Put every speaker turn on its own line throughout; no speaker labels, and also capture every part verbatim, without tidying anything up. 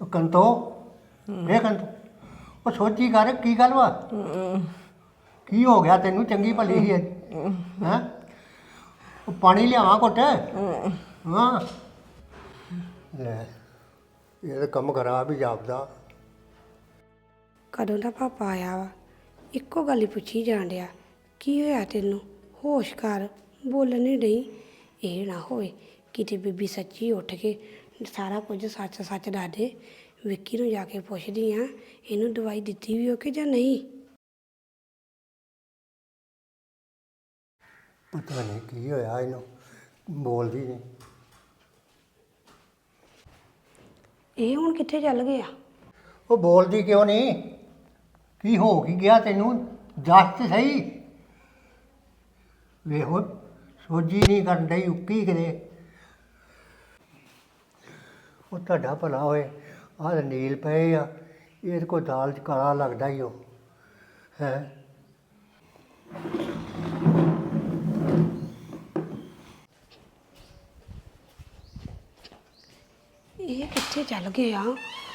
ਕੰਤੋ ਇਹ ਕੰਤੋ ਉਹ ਸੋਚੀ ਕਰ ਕੀ ਗੱਲ ਵਾ ਕੀ ਹੋ ਗਿਆ ਤੈਨੂੰ ਚੰਗੀ ਭਲੀ ਹੀ ਹੈ ਉਹ ਪਾਣੀ ਲਿਆਵਾਂ ਘੁੱਟ ਹਾਂ ਲੈ ਇਹ ਤਾਂ ਕੰਮ ਖਰਾਬ ਹੀ ਜਾਪਦਾ।
ਕਦੋਂ ਦਾ ਪਾਪਾ ਆਇਆ ਵਾ ਇੱਕੋ ਗੱਲ ਹੀ ਪੁੱਛੀ ਜਾਣ ਡਿਆ ਕੀ ਹੋਇਆ ਤੈਨੂੰ ਹੋਸ਼ ਕਰ ਬੋਲਣ ਨਹੀਂ ਡਈ। ਇਹ ਨਾ ਹੋਏ ਕਿਤੇ ਬੀਬੀ ਸੱਚੀ ਉੱਠ ਕੇ ਸਾਰਾ ਕੁਝ ਸੱਚ ਸੱਚ ਦੱਸ ਦੇ। ਵਿੱਕੀ ਨੂੰ ਜਾ ਕੇ ਪੁੱਛਦੀ ਆ ਇਹਨੂੰ ਦਵਾਈ ਦਿੱਤੀ ਵੀ ਹੋ ਕਿ ਜਾਂ ਨਹੀਂ।
ਪਤਾ ਨਹੀਂ ਕੀ ਹੋਇਆ ਇਹਨੂੰ ਬੋਲਦੀ ਨਹੀਂ।
ਇਹ ਹੁਣ ਕਿੱਥੇ ਚੱਲ ਗਿਆ?
ਉਹ ਬੋਲਦੀ ਕਿਉਂ ਨਹੀਂ? ਕੀ ਹੋ ਕੀ ਗਿਆ ਤੈਨੂੰ ਦੱਸ ਤੇ ਸਹੀ। ਵੇਖੋ ਸੋਝੀ ਨਹੀਂ ਕਰਨ ਡਈ ਉੱਕੀ ਕਿਤੇ। ਉਹ ਤੁਹਾਡਾ ਭਲਾ ਹੋਏ ਆਹ ਨੀਲ ਪਏ ਆ ਇਹਦੇ ਕੋਲ ਦਾਲ 'ਚ ਕਾਲਾ ਲੱਗਦਾ ਹੀ ਉਹ ਹੈ।
ਇਹ ਕਿੱਥੇ ਚੱਲ ਗਿਆ?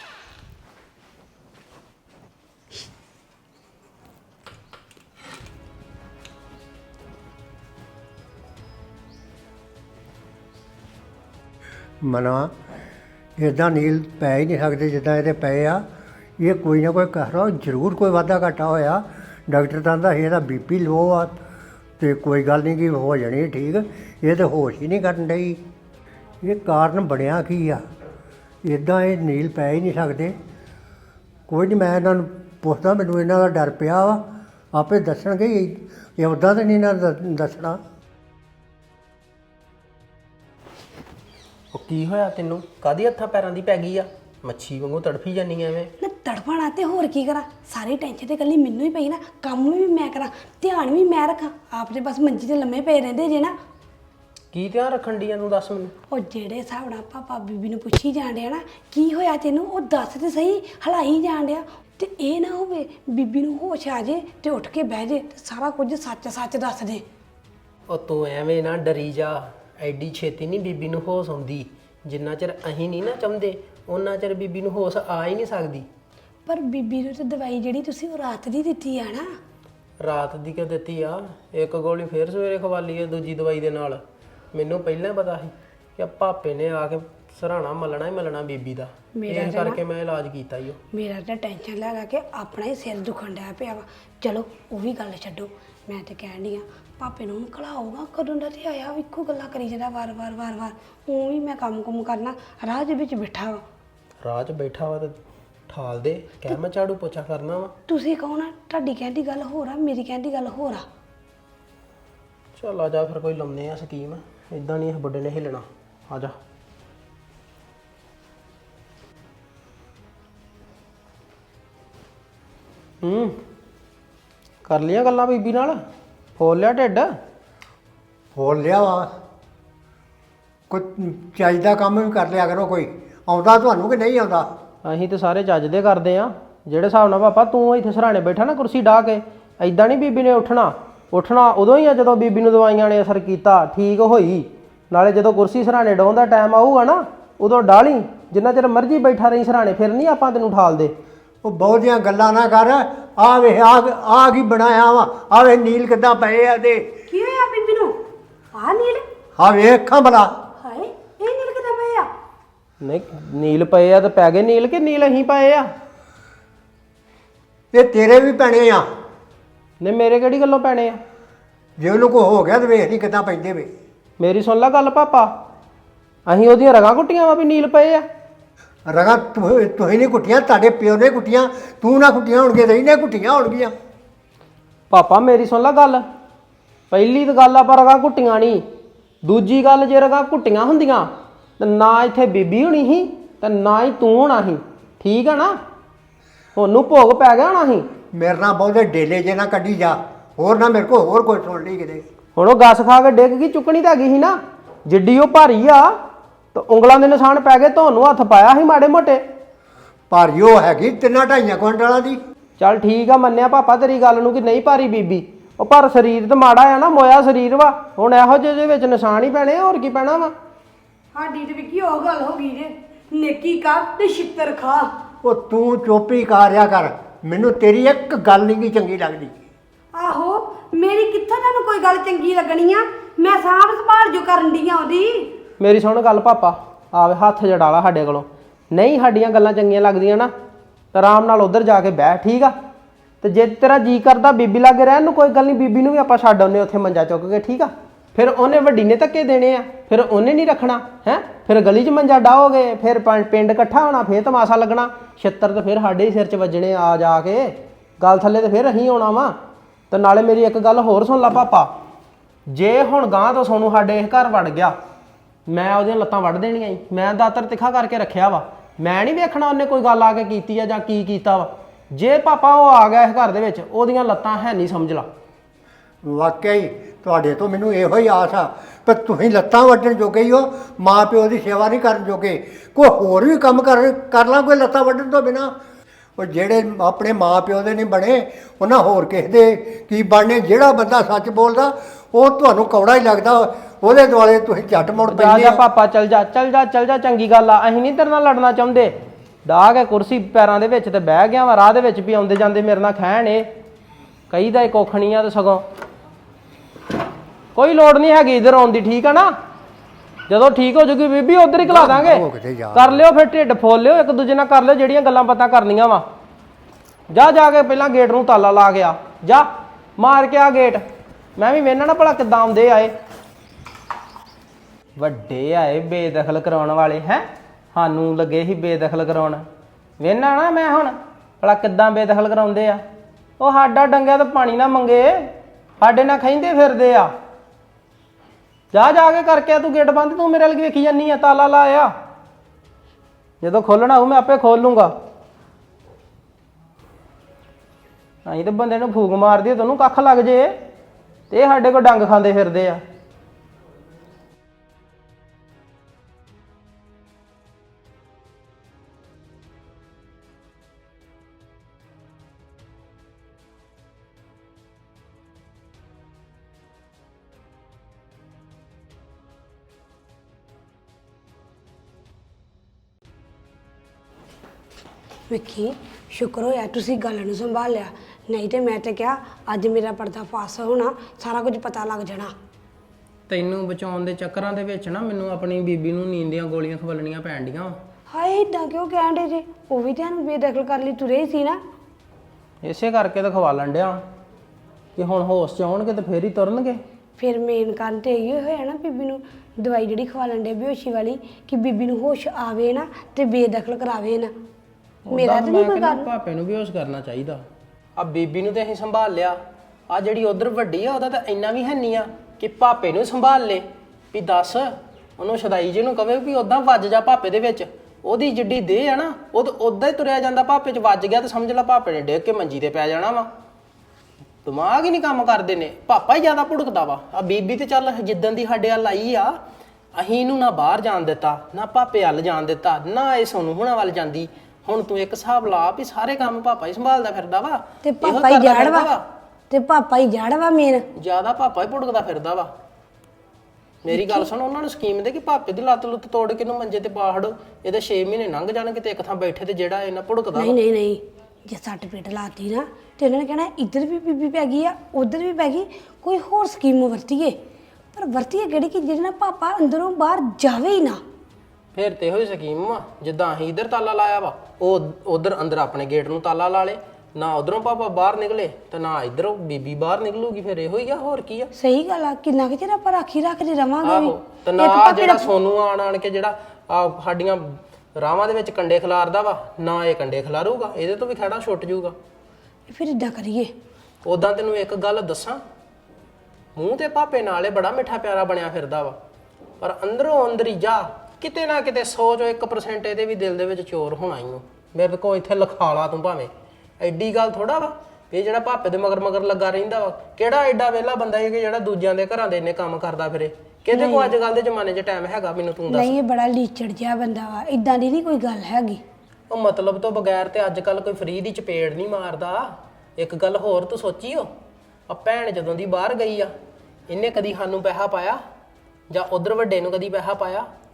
ਮਨਾ ਇੱਦਾਂ ਨੀਲ ਪੈ ਹੀ ਨਹੀਂ ਸਕਦੇ ਜਿੱਦਾਂ ਇਹਦੇ ਪਏ ਆ। ਇਹ ਕੋਈ ਨਾ ਕੋਈ ਕਰੋ ਜ਼ਰੂਰ ਕੋਈ ਵਾਧਾ ਘਾਟਾ ਹੋਇਆ। ਡਾਕਟਰ ਕਹਿੰਦਾ ਸੀ ਇਹਦਾ ਬੀ ਪੀ ਲੋ ਆ ਅਤੇ ਕੋਈ ਗੱਲ ਨਹੀਂ ਕਿ ਹੋ ਜਾਣੀ ਠੀਕ। ਇਹ ਤਾਂ ਹੋਸ਼ ਹੀ ਨਹੀਂ ਕਰਨ ਡਈ। ਇਹ ਕਾਰਨ ਬਣਿਆ ਕੀ ਆ? ਇੱਦਾਂ ਇਹ ਨੀਲ ਪੈ ਹੀ ਨਹੀਂ ਸਕਦੇ। ਕੋਈ ਨਹੀਂ ਮੈਂ ਇਹਨਾਂ ਨੂੰ ਪੁੱਛਦਾ ਮੈਨੂੰ ਇਹਨਾਂ ਦਾ ਡਰ ਪਿਆ ਵਾ ਆਪੇ ਦੱਸਣਗੇ। ਇਹ ਉੱਦਾਂ ਤਾਂ ਨਹੀਂ ਇਹਨਾਂ ਦ ਦੱਸਣਾ।
ਉਹ ਕੀ ਹੋਇਆ ਤੈਨੂੰ ਕਾਹਦੀ ਹੱਥਾਂ ਪੈਰਾਂ ਦੀ ਪੈ ਗਈ ਆ? ਮੱਛੀ ਵਾਂਗੂ ਤੜਫੀ ਜਾਨੀ ਐਵੇਂ।
ਨਾ ਤੜਫਣਾ ਤੇ ਹੋਰ ਕੀ ਕਰਾਂ? ਸਾਰੀ ਟੈਨਸ਼ਨ ਤੇ ਇਕੱਲੀ ਮੈਨੂੰ ਹੀ ਪਈ ਨਾ। ਕੰਮ ਵੀ ਮੈਂ ਕਰਾਂ ਧਿਆਨ ਵੀ ਮੈਂ ਰੱਖਾਂ। ਆਪ ਤੇ ਬਸ ਮੰਜੀ ਤੇ ਲੰਮੇ ਪਏ ਰਹਿੰਦੇ ਜੇ ਨਾ।
ਕੀ ਧਿਆਨ ਰੱਖਣ ਦੀ ਇਹਨੂੰ ਦੱਸ ਮੈਨੂੰ।
ਉਹ ਜਿਹੜੇ ਹਿਸਾਬ ਨਾਲ ਪਾਪਾ ਬੀਬੀ ਨੂੰ ਪੁੱਛੀ ਜਾਣ ਡਿਆ ਨਾ ਕੀ ਹੋਇਆ ਤੈਨੂੰ ਉਹ ਦੱਸ ਤੇ ਸਹੀ। ਹਲਾਈ ਜਾਣ ਡਿਆ ਤੇ ਇਹ ਨਾ ਹੋਵੇ ਬੀਬੀ ਨੂੰ ਹੋਸ਼ ਆ ਜੇ ਤੇ ਉੱਠ ਕੇ ਬਹਿ ਜੇ ਤੇ ਸਾਰਾ ਕੁਝ ਸੱਚ ਸੱਚ ਦੱਸ ਦੇ।
ਉਹ ਤੂੰ ਐਵੇਂ ਨਾ ਡਰੀ ਜਾ। ਐਡੀ ਛੇਤੀ ਨਹੀਂ ਬੀਬੀ ਨੂੰ ਹੋਸ਼ ਆਉਂਦੀ। ਜਿੰਨਾ ਚਿਰ ਅਸੀਂ ਨਹੀਂ ਨਾ ਚਾਹੁੰਦੇ ਉਹਨਾਂ ਚਿਰ ਬੀਬੀ ਨੂੰ ਹੋਸ਼ ਆ ਹੀ ਨਹੀਂ ਸਕਦੀ।
ਪਰ ਬੀਬੀ ਨੂੰ ਤੇ ਦਵਾਈ ਜਿਹੜੀ ਤੁਸੀਂ ਉਹ ਰਾਤ ਦੀ ਦਿੱਤੀ ਆ ਨਾ।
ਰਾਤ ਦੀ ਕਿਉਂ ਦਿੱਤੀ ਆ? ਇੱਕ ਗੋਲੀ ਫੇਰ ਸਵੇਰੇ ਖਵਾ ਲਈ ਦੂਜੀ ਦਵਾਈ ਦੇ ਨਾਲ। ਮੈਨੂੰ ਪਹਿਲਾਂ ਪਤਾ ਸੀ ਕਿ ਭਾਪੇ ਨੇ ਆ ਕੇ ਸਰਾਣਾ ਮਲਣਾ ਹੀ ਮਲਣਾ ਬੀਬੀ ਦਾ। ਇਸ ਕਰਕੇ ਮੈਂ ਇਲਾਜ ਕੀਤਾ ਹੀ।
ਮੇਰਾ ਤਾਂ ਟੈਨਸ਼ਨ ਲੈ ਲੈ ਕੇ ਆਪਣਾ ਹੀ ਸਿਰ ਦੁਖਣ ਡਿਆ ਪਿਆ ਵਾ। ਚਲੋ ਉਹ ਵੀ ਗੱਲ ਛੱਡੋ। ਮੈਂ ਤੇ ਕਹਿਣ ਡਈ ਆ ਪਾਪੇ ਨੂੰ ਘਲਾਊਗਾ ਕਦੋਂ ਦਾ ਤੇ ਆਇਆ ਇੱਕੋ ਗੱਲਾਂ ਕਰੀ ਜਾਂਦਾ ਵਾਰ ਵਾਰ ਵਾਰ ਵਾਰ। ਉਹ ਵੀ ਮੈਂ ਕੰਮ ਕੁਮ ਕਰਨਾ ਰਾਹ ਦੇ ਵਿੱਚ ਬੈਠਾ ਵਾ।
ਰਾਹ 'ਚ ਬੈਠਾ ਵਾ ਤੇ ਠਾਲ ਦੇ ਕਹਿ ਮੈਂ ਝਾੜੂ ਪੋਚਾ ਕਰਨਾ ਵਾ।
ਤੁਸੀਂ ਕਹੋ ਨਾ ਤੁਹਾਡੀ ਕਹਿੰਦੀ ਗੱਲ ਹੋਰ ਆ ਮੇਰੀ ਕਹਿੰਦੀ ਗੱਲ ਹੋਰ ਆ।
ਚੱਲ ਆ ਜਾ ਫਿਰ ਕੋਈ ਲਾਉਂਦੇ ਆ ਸਕੀਮ। ਇਦਾਂ ਨਹੀਂ ਇਸ ਬੁੱਢੇ ਨੇ ਹਿੱਲਣਾ। ਆ ਜਾ। ਹੂੰ ਕਰ ਲਿਆ ਗੱਲਾਂ ਬੀਬੀ ਨਾਲ? ਫੋਲ ਲਿਆ ਢਿੱਡ?
ਫੋਲ ਲਿਆ ਵਾ। ਕੋਈ ਚਾਹੀਦਾ ਕੰਮ ਵੀ ਕਰ ਲਿਆ ਕਰੋ। ਕੋਈ ਆਉਂਦਾ ਤੁਹਾਨੂੰ ਕਿ ਨਹੀਂ ਆਉਂਦਾ?
ਅਸੀਂ ਤੇ ਸਾਰੇ ਚੱਜ ਦੇ ਕਰਦੇ ਆ। ਜਿਹੜੇ ਹਿਸਾਬ ਨਾਲ ਪਾਪਾ ਤੂੰ ਇੱਥੇ ਸਰਾਣੇ ਬੈਠਾ ਨਾ ਕੁਰਸੀ ਢਾਹ ਕੇ ਐਦਾਂ ਨਹੀਂ ਬੀਬੀ ਨੇ ਉੱਠਣਾ। ਉੱਠਣਾ ਉਦੋਂ ਹੀ ਆ ਜਦੋਂ ਬੀਬੀ ਨੂੰ ਦਵਾਈਆਂ ਨੇ ਅਸਰ ਕੀਤਾ ਠੀਕ ਹੋਈ। ਨਾਲੇ ਜਦੋਂ ਕੁਰਸੀ ਸਰਾਣੇ ਡਾਉਣ ਦਾ ਟਾਈਮ ਆਊਗਾ ਨਾ ਉਦੋਂ ਡਾਲੀ। ਜਿੰਨਾ ਚਿਰ ਮਰਜ਼ੀ ਬੈਠਾ ਰਹੀ ਸਰਾਣੇ ਫਿਰ ਨਹੀਂ ਆਪਾਂ ਤੈਨੂੰ ਠਾਲਦੇ।
ਉਹ ਬਹੁਤੀਆਂ ਗੱਲਾਂ ਨਾ ਕਰ। ਆ ਵੇ ਆ ਆ ਕੀ ਬਣਾਇਆ ਵਾ? ਆ ਵੇ ਨੀਲ ਕਿੱਦਾਂ ਪਏ ਆ ਤੇ
ਕੀ ਹੋਇਆ ਬੀਬੀ ਨੂੰ? ਆ ਨੀਲ?
ਆ ਵੇਖਾਂ ਭਲਾ।
ਹਾਏ ਇਹ ਨੀਲ ਕਿੱਦਾਂ ਪਏ ਆ?
ਨਹੀਂ ਨੀਲ ਪਏ ਆ ਤੇ ਪੈ ਗਏ ਨੀਲ ਕਿ ਨੀਲ ਅਸੀਂ ਪਾਏ ਆ?
ਇਹ ਤੇਰੇ ਵੀ ਪੈਣੇ ਆ।
ਨਹੀਂ ਮੇਰੇ ਕਿਹੜੀ ਗੱਲੋਂ ਪੈਣੇ ਆ?
ਜੇ ਉਹਨੂੰ ਕੋ ਹੋ ਗਿਆ ਤੇ ਵੇਖ ਨਹੀਂ ਕਿੱਦਾਂ ਪੈਂਦੇ ਵੇ।
ਮੇਰੀ ਸੁਣ ਲੈ ਗੱਲ ਪਾਪਾ। ਅਸੀਂ ਉਹਦੀਆਂ ਰਗਾਂ ਕੁੱਟੀਆਂ ਵਾ ਵੀ ਨੀਲ ਪਏ ਆ।
ਰਗਾਂ ਤੁਸੀਂ ਨਹੀਂ ਕੁੱਟੀਆਂ ਤੁਹਾਡੇ ਪਿਓ ਨੇ ਕੁੱਟੀਆਂ। ਤੂੰ ਨਾ ਕੁੱਟੀਆਂ ਹੋਣਗੀਆਂ ਤੇ ਇਹਨੇ ਕੁੱਟੀਆਂ ਹੋਣਗੀਆਂ।
ਪਾਪਾ ਮੇਰੀ ਸੁਣ ਲੈ ਗੱਲ। ਪਹਿਲੀ ਤਾਂ ਗੱਲ ਆਪਾਂ ਰਗਾਂ ਕੁੱਟੀਆਂ ਨਹੀਂ। ਦੂਜੀ ਗੱਲ ਜੇ ਰਗਾਂ ਕੁੱਟੀਆਂ ਹੁੰਦੀਆਂ ਤੇ ਨਾ ਇੱਥੇ ਬੀਬੀ ਹੋਣੀ ਸੀ ਤੇ ਨਾ ਹੀ ਤੂੰ ਹੋਣਾ ਸੀ। ਠੀਕ ਆ ਨਾ? ਉਹਨੂੰ ਭੋਗ ਪੈ ਗਿਆ ਹੋਣਾ ਸੀ।
ਮੇਰੇ ਨਾਲ ਬਹੁਤੇ ਡੇਲੇ ਜੇ ਨਾ ਕੱਢੀ ਜਾ। ਹੋਰ ਨਾ ਮੇਰੇ ਕੋਲ ਹੋਰ ਕੋਈ ਸੁਣ ਲਈ ਕਿਤੇ।
ਹੁਣ ਉਹ ਗੱਸ ਖਾ ਕੇ ਡਿੱਗ ਗਈ ਚੁੱਕਣੀ ਤਾਂ ਹੈਗੀ ਸੀ ਨਾ। ਜਿੱਡੀ ਉਹ ਭਾਰੀ ਆ ਤਾਂ ਉਂਗਲਾਂ ਦੇ ਨਿਸ਼ਾਨ ਪੈ ਗਏ। ਤੁਹਾਨੂੰ ਹੱਥ ਪਾਇਆ ਸੀ ਮਾੜੇ ਮੋਟੇ।
ਭਾਰੀ ਉਹ ਹੈਗੀ ਤਿੰਨਾਂ ਢਾਈਆਂ ਕੁਇੰਟਲਾਂ ਦੀ।
ਚੱਲ ਠੀਕ ਆ ਮੰਨਿਆ ਪਾਪਾ ਤੇਰੀ ਗੱਲ ਨੂੰ ਕਿ ਨਹੀਂ ਭਾਰੀ ਬੀਬੀ। ਉਹ ਪਰ ਸਰੀਰ ਤਾਂ ਮਾੜਾ ਆ ਨਾ ਮੋਇਆ ਸਰੀਰ ਵਾ। ਹੁਣ ਇਹੋ ਜਿਹੇ ਵਿੱਚ ਨਿਸ਼ਾਨ ਹੀ ਪੈਣੇ ਹੋਰ ਕੀ ਪੈਣਾ ਵਾ।
ਸਾਡੀ ਤੇ ਵਿੱਕੀ ਉਹ ਗੱਲ ਹੋ ਗਈ ਜੇ ਨੇਕੀ ਕਰ ਤੇ ਛਿੱਤਰ ਖਾ।
ਉਹ ਤੂੰ ਚੁੱਪ ਹੀ ਕਰ ਰਿਆ ਕਰ, ਮੈਨੂੰ ਤੇਰੀ ਇੱਕ ਗੱਲ ਨਹੀਂ ਗੀ ਚੰਗੀ ਲੱਗਦੀ।
ਆਹੋ, ਮੇਰੀ ਕਿੱਥੇ ਤੁਹਾਨੂੰ ਕੋਈ ਗੱਲ ਚੰਗੀ ਲੱਗਣੀ ਆ? ਮੈਂ ਸਾਂਭ ਸੰਭਾਲ ਜੋ ਕਰਨ ਦੀ ਆ ਉਹਦੀ।
ਮੇਰੀ ਸੁਣ ਗੱਲ ਪਾਪਾ, ਆਵੇ ਹੱਥ ਜੜਾ ਲਾ ਸਾਡੇ ਕੋਲੋਂ। ਨਹੀਂ ਸਾਡੀਆਂ ਗੱਲਾਂ ਚੰਗੀਆਂ ਲੱਗਦੀਆਂ ਨਾ ਤਾਂ ਆਰਾਮ ਨਾਲ ਉਧਰ ਜਾ ਕੇ ਬਹਿ, ਠੀਕ ਆ? ਤੇ ਜੇ ਤੇਰਾ ਜੀ ਕਰਦਾ ਬੀਬੀ ਲਾਗੇ ਰਹਿਣ ਨੂੰ, ਕੋਈ ਗੱਲ ਨਹੀਂ, ਬੀਬੀ ਨੂੰ ਵੀ ਆਪਾਂ ਛੱਡ ਆਉਂਦੇ ਉੱਥੇ ਮੰਜਾ ਚੁੱਕ ਕੇ, ਠੀਕ ਆ? ਫਿਰ ਉਹਨੇ ਵੱਡੀ ਨੇ ਧੱਕੇ ਦੇਣੇ ਆ, ਫਿਰ ਉਹਨੇ ਨਹੀਂ ਰੱਖਣਾ ਹੈ। ਫਿਰ ਗਲੀ 'ਚ ਮੰਜਾ ਡਾਹੋਗੇ, ਫਿਰ ਪੰ- ਪਿੰਡ ਇਕੱਠਾ ਹੋਣਾ, ਫਿਰ ਤਮਾਸ਼ਾ ਲੱਗਣਾ, ਛਿੱਤਰ ਤੇ ਫਿਰ ਸਾਡੇ ਹੀ ਸਿਰ 'ਚ ਵੱਜਣੇ ਆ ਜਾ ਕੇ। ਗੱਲ ਥੱਲੇ ਤੇ ਫਿਰ ਅਸੀਂ ਆਉਣਾ ਵਾ। ਤੇ ਨਾਲੇ ਮੇਰੀ ਇੱਕ ਗੱਲ ਹੋਰ ਸੁਣ ਲਾ ਪਾਪਾ, ਜੇ ਹੁਣ ਗਾਂ ਤੋਂ ਸੋਨੂੰ ਸਾਡੇ ਇਸ ਘਰ ਵੜ ਗਿਆ, ਮੈਂ ਉਹਦੀਆਂ ਲੱਤਾਂ ਵੱਢ ਦੇਣੀਆਂ ਸੀ। ਮੈਂ ਦਾਤਰ ਤਿੱਖਾ ਕਰਕੇ ਰੱਖਿਆ ਵਾ, ਮੈਂ ਨਹੀਂ ਵੇਖਣਾ ਉਹਨੇ ਕੋਈ ਗੱਲ ਆ ਕੇ ਕੀਤੀ ਆ ਜਾਂ ਕੀ ਕੀਤਾ ਵਾ। ਜੇ ਪਾਪਾ ਉਹ ਆ ਗਿਆ ਇਸ ਘਰ ਦੇ ਵਿੱਚ, ਉਹਦੀਆਂ ਲੱਤਾਂ ਹੈ ਨਹੀਂ, ਸਮਝ ਲਾ।
ਵਾਕਿਆ ਹੀ ਤੁਹਾਡੇ ਤੋਂ ਮੈਨੂੰ ਇਹੋ ਹੀ ਆਸ ਆ, ਪਰ ਤੁਸੀਂ ਲੱਤਾਂ ਵੱਢਣ ਜੋਗੇ ਹੀ ਹੋ, ਮਾਂ ਪਿਓ ਦੀ ਸੇਵਾ ਨਹੀਂ ਕਰਨ ਜੋਗੇ। ਕੋਈ ਹੋਰ ਵੀ ਕੰਮ ਕਰ ਕਰ ਲਾਂ ਕੋਈ ਲੱਤਾਂ ਵੱਢਣ ਤੋਂ ਬਿਨਾ। ਉਹ ਜਿਹੜੇ ਆਪਣੇ ਮਾਂ ਪਿਓ ਦੇ ਨਹੀਂ ਬਣੇ, ਉਹਨਾਂ ਹੋਰ ਕਿਸੇ ਦੇ ਕੀ ਬਣਨੇ? ਜਿਹੜਾ ਬੰਦਾ ਸੱਚ ਬੋਲਦਾ ਉਹ ਤੁਹਾਨੂੰ ਕੌੜਾ ਹੀ ਲੱਗਦਾ, ਉਹਦੇ ਦੁਆਲੇ ਤੁਸੀਂ ਝੱਟ ਮੁੜ
ਜਾ
ਪੈਂਦੇ
ਜਾ
ਆ।
ਪਾਪਾ, ਚੱਲ ਜਾ ਚੱਲ ਜਾ ਚੱਲ ਜਾ, ਚੰਗੀ ਗੱਲ ਆ। ਅਸੀਂ ਨਹੀਂ ਤੇਰੇ ਨਾਲ ਲੜਨਾ ਚਾਹੁੰਦੇ। ਡਾਹ ਕੇ ਕੁਰਸੀ ਪੈਰਾਂ ਦੇ ਵਿੱਚ ਤੇ ਬਹਿ ਗਿਆ ਵਾ, ਰਾਹ ਦੇ ਵਿੱਚ ਵੀ ਆਉਂਦੇ ਜਾਂਦੇ ਮੇਰੇ ਨਾਲ ਖਹਿਣ ਇਹ ਕਈ ਦਾ ਕੋਖਣੀ ਆ। ਤੇ ਸਗੋਂ ਕੋਈ ਲੋੜ ਨਹੀਂ ਹੈਗੀ ਇੱਧਰ ਆਉਣ ਦੀ, ਠੀਕ ਆ ਨਾ? ਜਦੋਂ ਠੀਕ ਹੋ ਜੂਗੀ ਬੀਬੀ ਉਧਰ ਹੀ ਖਿਲਾ ਦਾਂਗੇ। ਕਰ ਲਿਓ ਫਿਰ, ਢਿੱਡ ਫੋਲ ਲਿਓ, ਇੱਕ ਦੂਜੇ ਨਾਲ ਕਰ ਲਿਓ ਜਿਹੜੀਆਂ ਗੱਲਾਂ ਬਾਤਾਂ ਕਰਨੀਆਂ ਵਾ। ਜਾ ਜਾ ਕੇ ਪਹਿਲਾਂ ਗੇਟ ਨੂੰ ਤਾਲਾ ਲਾ ਗਿਆ, ਜਾ ਮਾਰ ਕੇ ਆ ਗੇਟ। ਮੈਂ ਵੀ ਵੇਖਣਾ ਨਾ ਭਲਾ ਕਿੱਦਾਂ ਆਉਂਦੇ ਆਏ। ਵੱਡੇ ਆਏ ਬੇਦਖਲ ਕਰਾਉਣ ਵਾਲੇ ਹੈ, ਸਾਨੂੰ ਲੱਗੇ ਸੀ ਬੇਦਖਲ ਕਰਾਉਣ। ਵੇਖਣਾ ਨਾ ਮੈਂ ਹੁਣ ਭਲਾ ਕਿੱਦਾਂ ਬੇਦਖਲ ਕਰਾਉਂਦੇ ਆ। ਉਹ ਸਾਡਾ ਡੰਗਿਆ ਤਾਂ ਪਾਣੀ ਨਾ ਮੰਗੇ, ਸਾਡੇ ਨਾਲ ਖਹਿੰਦੇ ਫਿਰਦੇ ਆ। ਜਾ ਜਾ ਕੇ ਕਰਕੇ ਆ ਤੂੰ ਗੇਟ ਬੰਦ, ਤੂੰ ਮੇਰੇ ਵੱਲ ਵੇਖੀ ਜਾਨੀ ਆ? ਤਾਲਾ ਲਾਇਆ, ਜਦੋਂ ਖੋਲਣਾ ਹੋਊ ਮੈਂ ਆਪੇ ਖੋਲ ਲੂੰਗਾ। ਅਸੀਂ ਤਾਂ ਬੰਦੇ ਨੂੰ ਫੂਕ ਮਾਰਦੀ, ਤੈਨੂੰ ਕੱਖ ਲੱਗ ਜੇ, ਤੇ ਇਹ ਸਾਡੇ ਕੋਲ ਡੰਗ ਖਾਂਦੇ ਫਿਰਦੇ ਆ।
ਵੇਖੀ, ਸ਼ੁਕਰ ਹੋਇਆ ਤੁਸੀਂ ਗੱਲ ਨੂੰ ਸੰਭਾਲ ਲਿਆ, ਨਹੀਂ ਤੇ ਮੈਂ ਤੇ ਕਿਹਾ ਅੱਜ ਮੇਰਾ ਪਰਦਾ ਫਾਸ ਹੋਣਾ, ਸਾਰਾ ਕੁਝ ਪਤਾ ਲੱਗ ਜਾਣਾ।
ਤੈਨੂੰ ਬਚਾਉਣ ਦੇ ਚੱਕਰਾਂ ਦੇ ਵਿੱਚ ਨਾ ਮੈਨੂੰ ਆਪਣੀ ਬੀਬੀ ਨੂੰ ਨੀਂਦ ਦੀਆਂ ਗੋਲੀਆਂ ਖਵਾਲਣੀਆਂ ਪੈਣ ਡੀਆਂ।
ਹਾਏ ਇਦਾਂ ਕਿਉਂ ਕਹਿਣ ਡੇ ਜੇ? ਉਹ ਵੀ ਤੁਹਾਨੂੰ ਬੇਦਖਲ ਕਰ ਲਈ ਤੁਰੇ ਹੀ ਸੀ ਨਾ।
ਇਸੇ ਕਰਕੇ ਤਾਂ ਖਵਾਲਣ ਡਿਆ ਕਿ ਹੁਣ ਹੋਸ਼ 'ਚ ਆਉਣਗੇ ਤੇ ਫੇਰ ਹੀ ਤੁਰਨਗੇ।
ਫਿਰ ਮੇਨ ਕਾਰਨ ਤੇ ਇਹੀ ਹੋਇਆ ਨਾ ਬੀਬੀ ਨੂੰ ਦਵਾਈ ਜਿਹੜੀ ਖਵਾਲਣ ਡੇ ਬੇਹੋਸ਼ੀ ਵਾਲੀ, ਕਿ ਬੀਬੀ ਨੂੰ ਹੋਸ਼ ਆਵੇ ਨਾ ਤੇ ਬੇਦਖਲ ਕਰਾਵੇ ਨਾ। ਮੇਰਾ ਤਾਂ ਨਹੀਂ ਕੋਈ ਗੱਲ।
ਭਾਪੇ ਨੂੰ ਵੀ ਹੋਸ਼ ਕਰਨਾ ਚਾਹੀਦਾ। ਆ ਬੀਬੀ ਨੂੰ ਤੇ ਅਸੀਂ ਸੰਭਾਲ ਲਿਆ, ਆ ਜਿਹੜੀ ਉਧਰ ਵੱਡੀ ਆ ਉਹਦਾ ਤਾਂ ਇੰਨਾ ਵੀ ਹੈ ਨਹੀਂ ਆ ਕਿ ਭਾਪੇ ਨੂੰ ਸੰਭਾਲ ਲੇ। ਵੀ ਦੱਸ ਉਹਨੂੰ ਸ਼ਦਾਈ ਜੀ ਨੂੰ ਕਵੇ ਵੀ ਉਦਾਂ ਵੱਜ ਜਾ ਭਾਪੇ ਦੇ ਵਿੱਚ, ਉਹਦੀ ਜਿੱਡੀ ਦੇਹ ਆ ਨਾ ਉਹ ਤਾਂ ਉਦਾਂ ਹੀ ਤੁਰਿਆ ਜਾਂਦਾ। ਭਾਪੇ 'ਚ ਵੱਜ ਗਿਆ ਤੇ ਸਮਝ ਲਾ ਭਾਪੇ ਨੇ ਡਿੱਗ ਕੇ ਮੰਜੀ ਤੇ ਪੈ ਜਾਣਾ ਵਾ। ਦਿਮਾਗ ਹੀ ਨਹੀਂ ਕੰਮ ਕਰਦੇ ਨੇ, ਪਾਪਾ ਹੀ ਜ਼ਿਆਦਾ ਭੁੜਕਦਾ ਵਾ। ਆ ਬੀਬੀ ਤੇ ਚੱਲ ਜਿੱਦਣ ਦੀ ਸਾਡੇ ਵੱਲ ਆਈ ਆ, ਅਸੀਂ ਇਹਨੂੰ ਨਾ ਬਾਹਰ ਜਾਣ ਦਿੱਤਾ, ਨਾ ਭਾਪੇ ਵੱਲ ਜਾਣ ਦਿੱਤਾ, ਨਾ ਇਹ ਸੋਨੂੰ ਹੁਣਾਂ ਵੱਲ ਜਾਂਦੀ। ਹੁਣ ਤੂੰ ਇੱਕ ਹਿਸਾਬ ਲਾ ਵੀ ਸਾਰੇ ਕੰਮ ਪਾਪਾ ਹੀ ਸੰਭਾਲਦਾ ਫਿਰਦਾ ਵਾ,
ਤੇ ਪਾਪਾ ਹੀ ਜੜ ਵਾ, ਤੇ ਪਾਪਾ ਹੀ ਜੜ ਵਾ ਮੇਨ।
ਜ਼ਿਆਦਾ ਪਾਪਾ ਹੀ ਭੁੜਕਦਾ ਫਿਰਦਾ ਵਾ। ਮੇਰੀ ਗੱਲ ਸੁਣ, ਉਹਨਾਂ ਨੂੰ ਸਕੀਮ ਦੇ ਕਿ ਭਾਪੇ ਦੀ ਲੱਤ ਲੁੱਤ ਤੋੜ ਕੇ ਨੂੰ ਮੰਜੇ ਤੇ ਪਾ ਹੜੋ, ਇਹਦੇ ਛੇ ਮਹੀਨੇ ਲੰਘ ਜਾਣਗੇ ਤੇ ਇੱਕ ਥਾਂ ਬੈਠੇ ਤੇ ਜਿਹੜਾ ਇਹਨਾਂ ਭੁੜਕਦਾ।
ਨਹੀਂ ਨਹੀਂ ਨਹੀਂ, ਜੇ ਸੱਟ ਪੇਟ ਲਾਤੀ ਨਾ ਤੇ ਇਹਨਾਂ ਨੇ ਕਹਿਣਾ ਇੱਧਰ ਵੀ ਬੀਬੀ ਪੈ ਗਈ ਆ, ਉੱਧਰ ਵੀ ਪੈ ਗਈ, ਕੋਈ ਹੋਰ ਸਕੀਮ ਵਰਤੀਏ। ਪਰ ਵਰਤੀਏ ਕਿਹੜੀ ਕਿ ਜਿਹਦੇ ਨਾਲ ਪਾਪਾ ਅੰਦਰੋਂ ਬਾਹਰ ਜਾਵੇ ਹੀ ਨਾ।
ਫਿਰ ਤੇ ਇਹੋ ਹੀ ਸਕੀਮ ਵਾ, ਜਿੱਦਾਂ ਅਸੀਂ ਇੱਧਰ ਤਾਲਾ ਲਾਇਆ ਵਾ, ਉਹ ਉਧਰ ਅੰਦਰ ਆਪਣੇ ਗੇਟ ਨੂੰ ਤਾਲਾ ਲਾ ਲੇ, ਨਾ ਉਧਰੋਂ ਪਾਪਾ ਬਾਹਰ ਨਿਕਲੇ ਤੇ ਨਾ ਇਧਰੋਂ ਬੀਬੀ ਬਾਹਰ ਨਿਕਲੂਗੀ। ਫਿਰ ਇਹੋ ਹੀ ਆ, ਹੋਰ ਕੀ ਆ।
ਸਹੀ ਗੱਲ ਆ, ਕਿੰਨਾ ਕੁ ਚਿਰ ਆਪਾਂ ਰਾਖੀ ਰੱਖਦੇ ਰਵਾਂਗੇ ਵੀ।
ਆਹੋ, ਤੇ ਨਾ ਜਿਹੜਾ ਸੋਨੂੰ ਆਣ ਆਣ ਕੇ ਜਿਹੜਾ ਆ ਸਾਡੀਆਂ ਰਾਵਾਂ ਦੇ ਵਿੱਚ ਕੰਡੇ ਖਿਲਾਰਦਾ ਵਾ, ਨਾ ਇਹ ਕੰਡੇ ਖਿਲਾਰੂਗਾ, ਇਹਦੇ ਤੋਂ ਵੀ ਖੜਾ ਛੁੱਟ ਜਾਊਗਾ।
ਫਿਰ ਇਦਾਂ ਕਰੀਏ।
ਉਦਾਂ ਤੈਨੂੰ ਇੱਕ ਗੱਲ ਦੱਸਾਂ, ਮੂੰਹ ਤੇ ਭਾਪੇ ਨਾਲੇ ਬੜਾ ਮਿੱਠਾ ਪਿਆਰਾ ਬਣਿਆ ਫਿਰਦਾ ਵਾ, ਪਰ ਅੰਦਰੋਂ ਅੰਦਰ ਹੀ ਜਾ ਕਿਤੇ ਨਾ ਕਿਤੇ ਸੌ ਚੋਂ ਇੱਕ ਪਰਸੈਂਟ ਇਹਦੇ ਵੀ ਦਿਲ ਦੇ ਵਿੱਚ ਚੋਰ ਹੋਣਾ ਹੀ ਓ। ਮੇਰੇ ਕੋਲ ਇੱਥੇ ਲਿਖਾ ਲਾ ਤੂੰ ਭਾਵੇਂ, ਐਡੀ ਗੱਲ ਥੋੜਾ ਵਾ ਇਹ ਜਿਹੜਾ ਭਾਪੇ ਦੇ ਮਗਰ ਮਗਰ ਲੱਗਾ ਰਹਿੰਦਾ ਵਾ। ਕਿਹੜਾ ਐਡਾ ਵਿਹਲਾ ਬੰਦਾ ਹੈ ਕਿ ਜਿਹੜਾ ਦੂਜਿਆਂ ਦੇ ਘਰਾਂ ਦੇ ਇੰਨੇ ਕੰਮ ਕਰਦਾ ਫਿਰੇ? ਕਿਹਦੇ ਕੋਲ ਅੱਜ ਕੱਲ ਦੇ ਜ਼ਮਾਨੇ 'ਚ ਟਾਈਮ ਹੈਗਾ? ਮੈਨੂੰ ਤੂੰ ਦੱਸ।
ਨਹੀਂ, ਇਹ ਬੜਾ ਲੀਚੜ ਜਿਹਾ ਬੰਦਾ ਵਾ, ਇਦਾਂ ਦੀ ਨਹੀਂ ਕੋਈ ਗੱਲ ਹੈਗੀ।
ਉਹ ਮਤਲਬ ਤੋਂ ਬਗੈਰ ਤੇ ਅੱਜ ਕੱਲ ਕੋਈ ਫਰੀ ਦੀ ਚਪੇੜ ਨਹੀਂ ਮਾਰਦਾ। ਇੱਕ ਗੱਲ ਹੋਰ ਤੂੰ ਸੋਚੀਓ, ਆ ਭੈਣ ਜਦੋਂ ਦੀ ਬਾਹਰ ਗਈ ਆ, ਇਹਨੇ ਕਦੀ ਸਾਨੂੰ ਪੈਸਾ ਪਾਇਆ ਜਾਂ ਉਧਰ ਵੱਡੇ ਨੂੰ ਕਦੀ ਪੈਸਾ ਪਾਇਆ?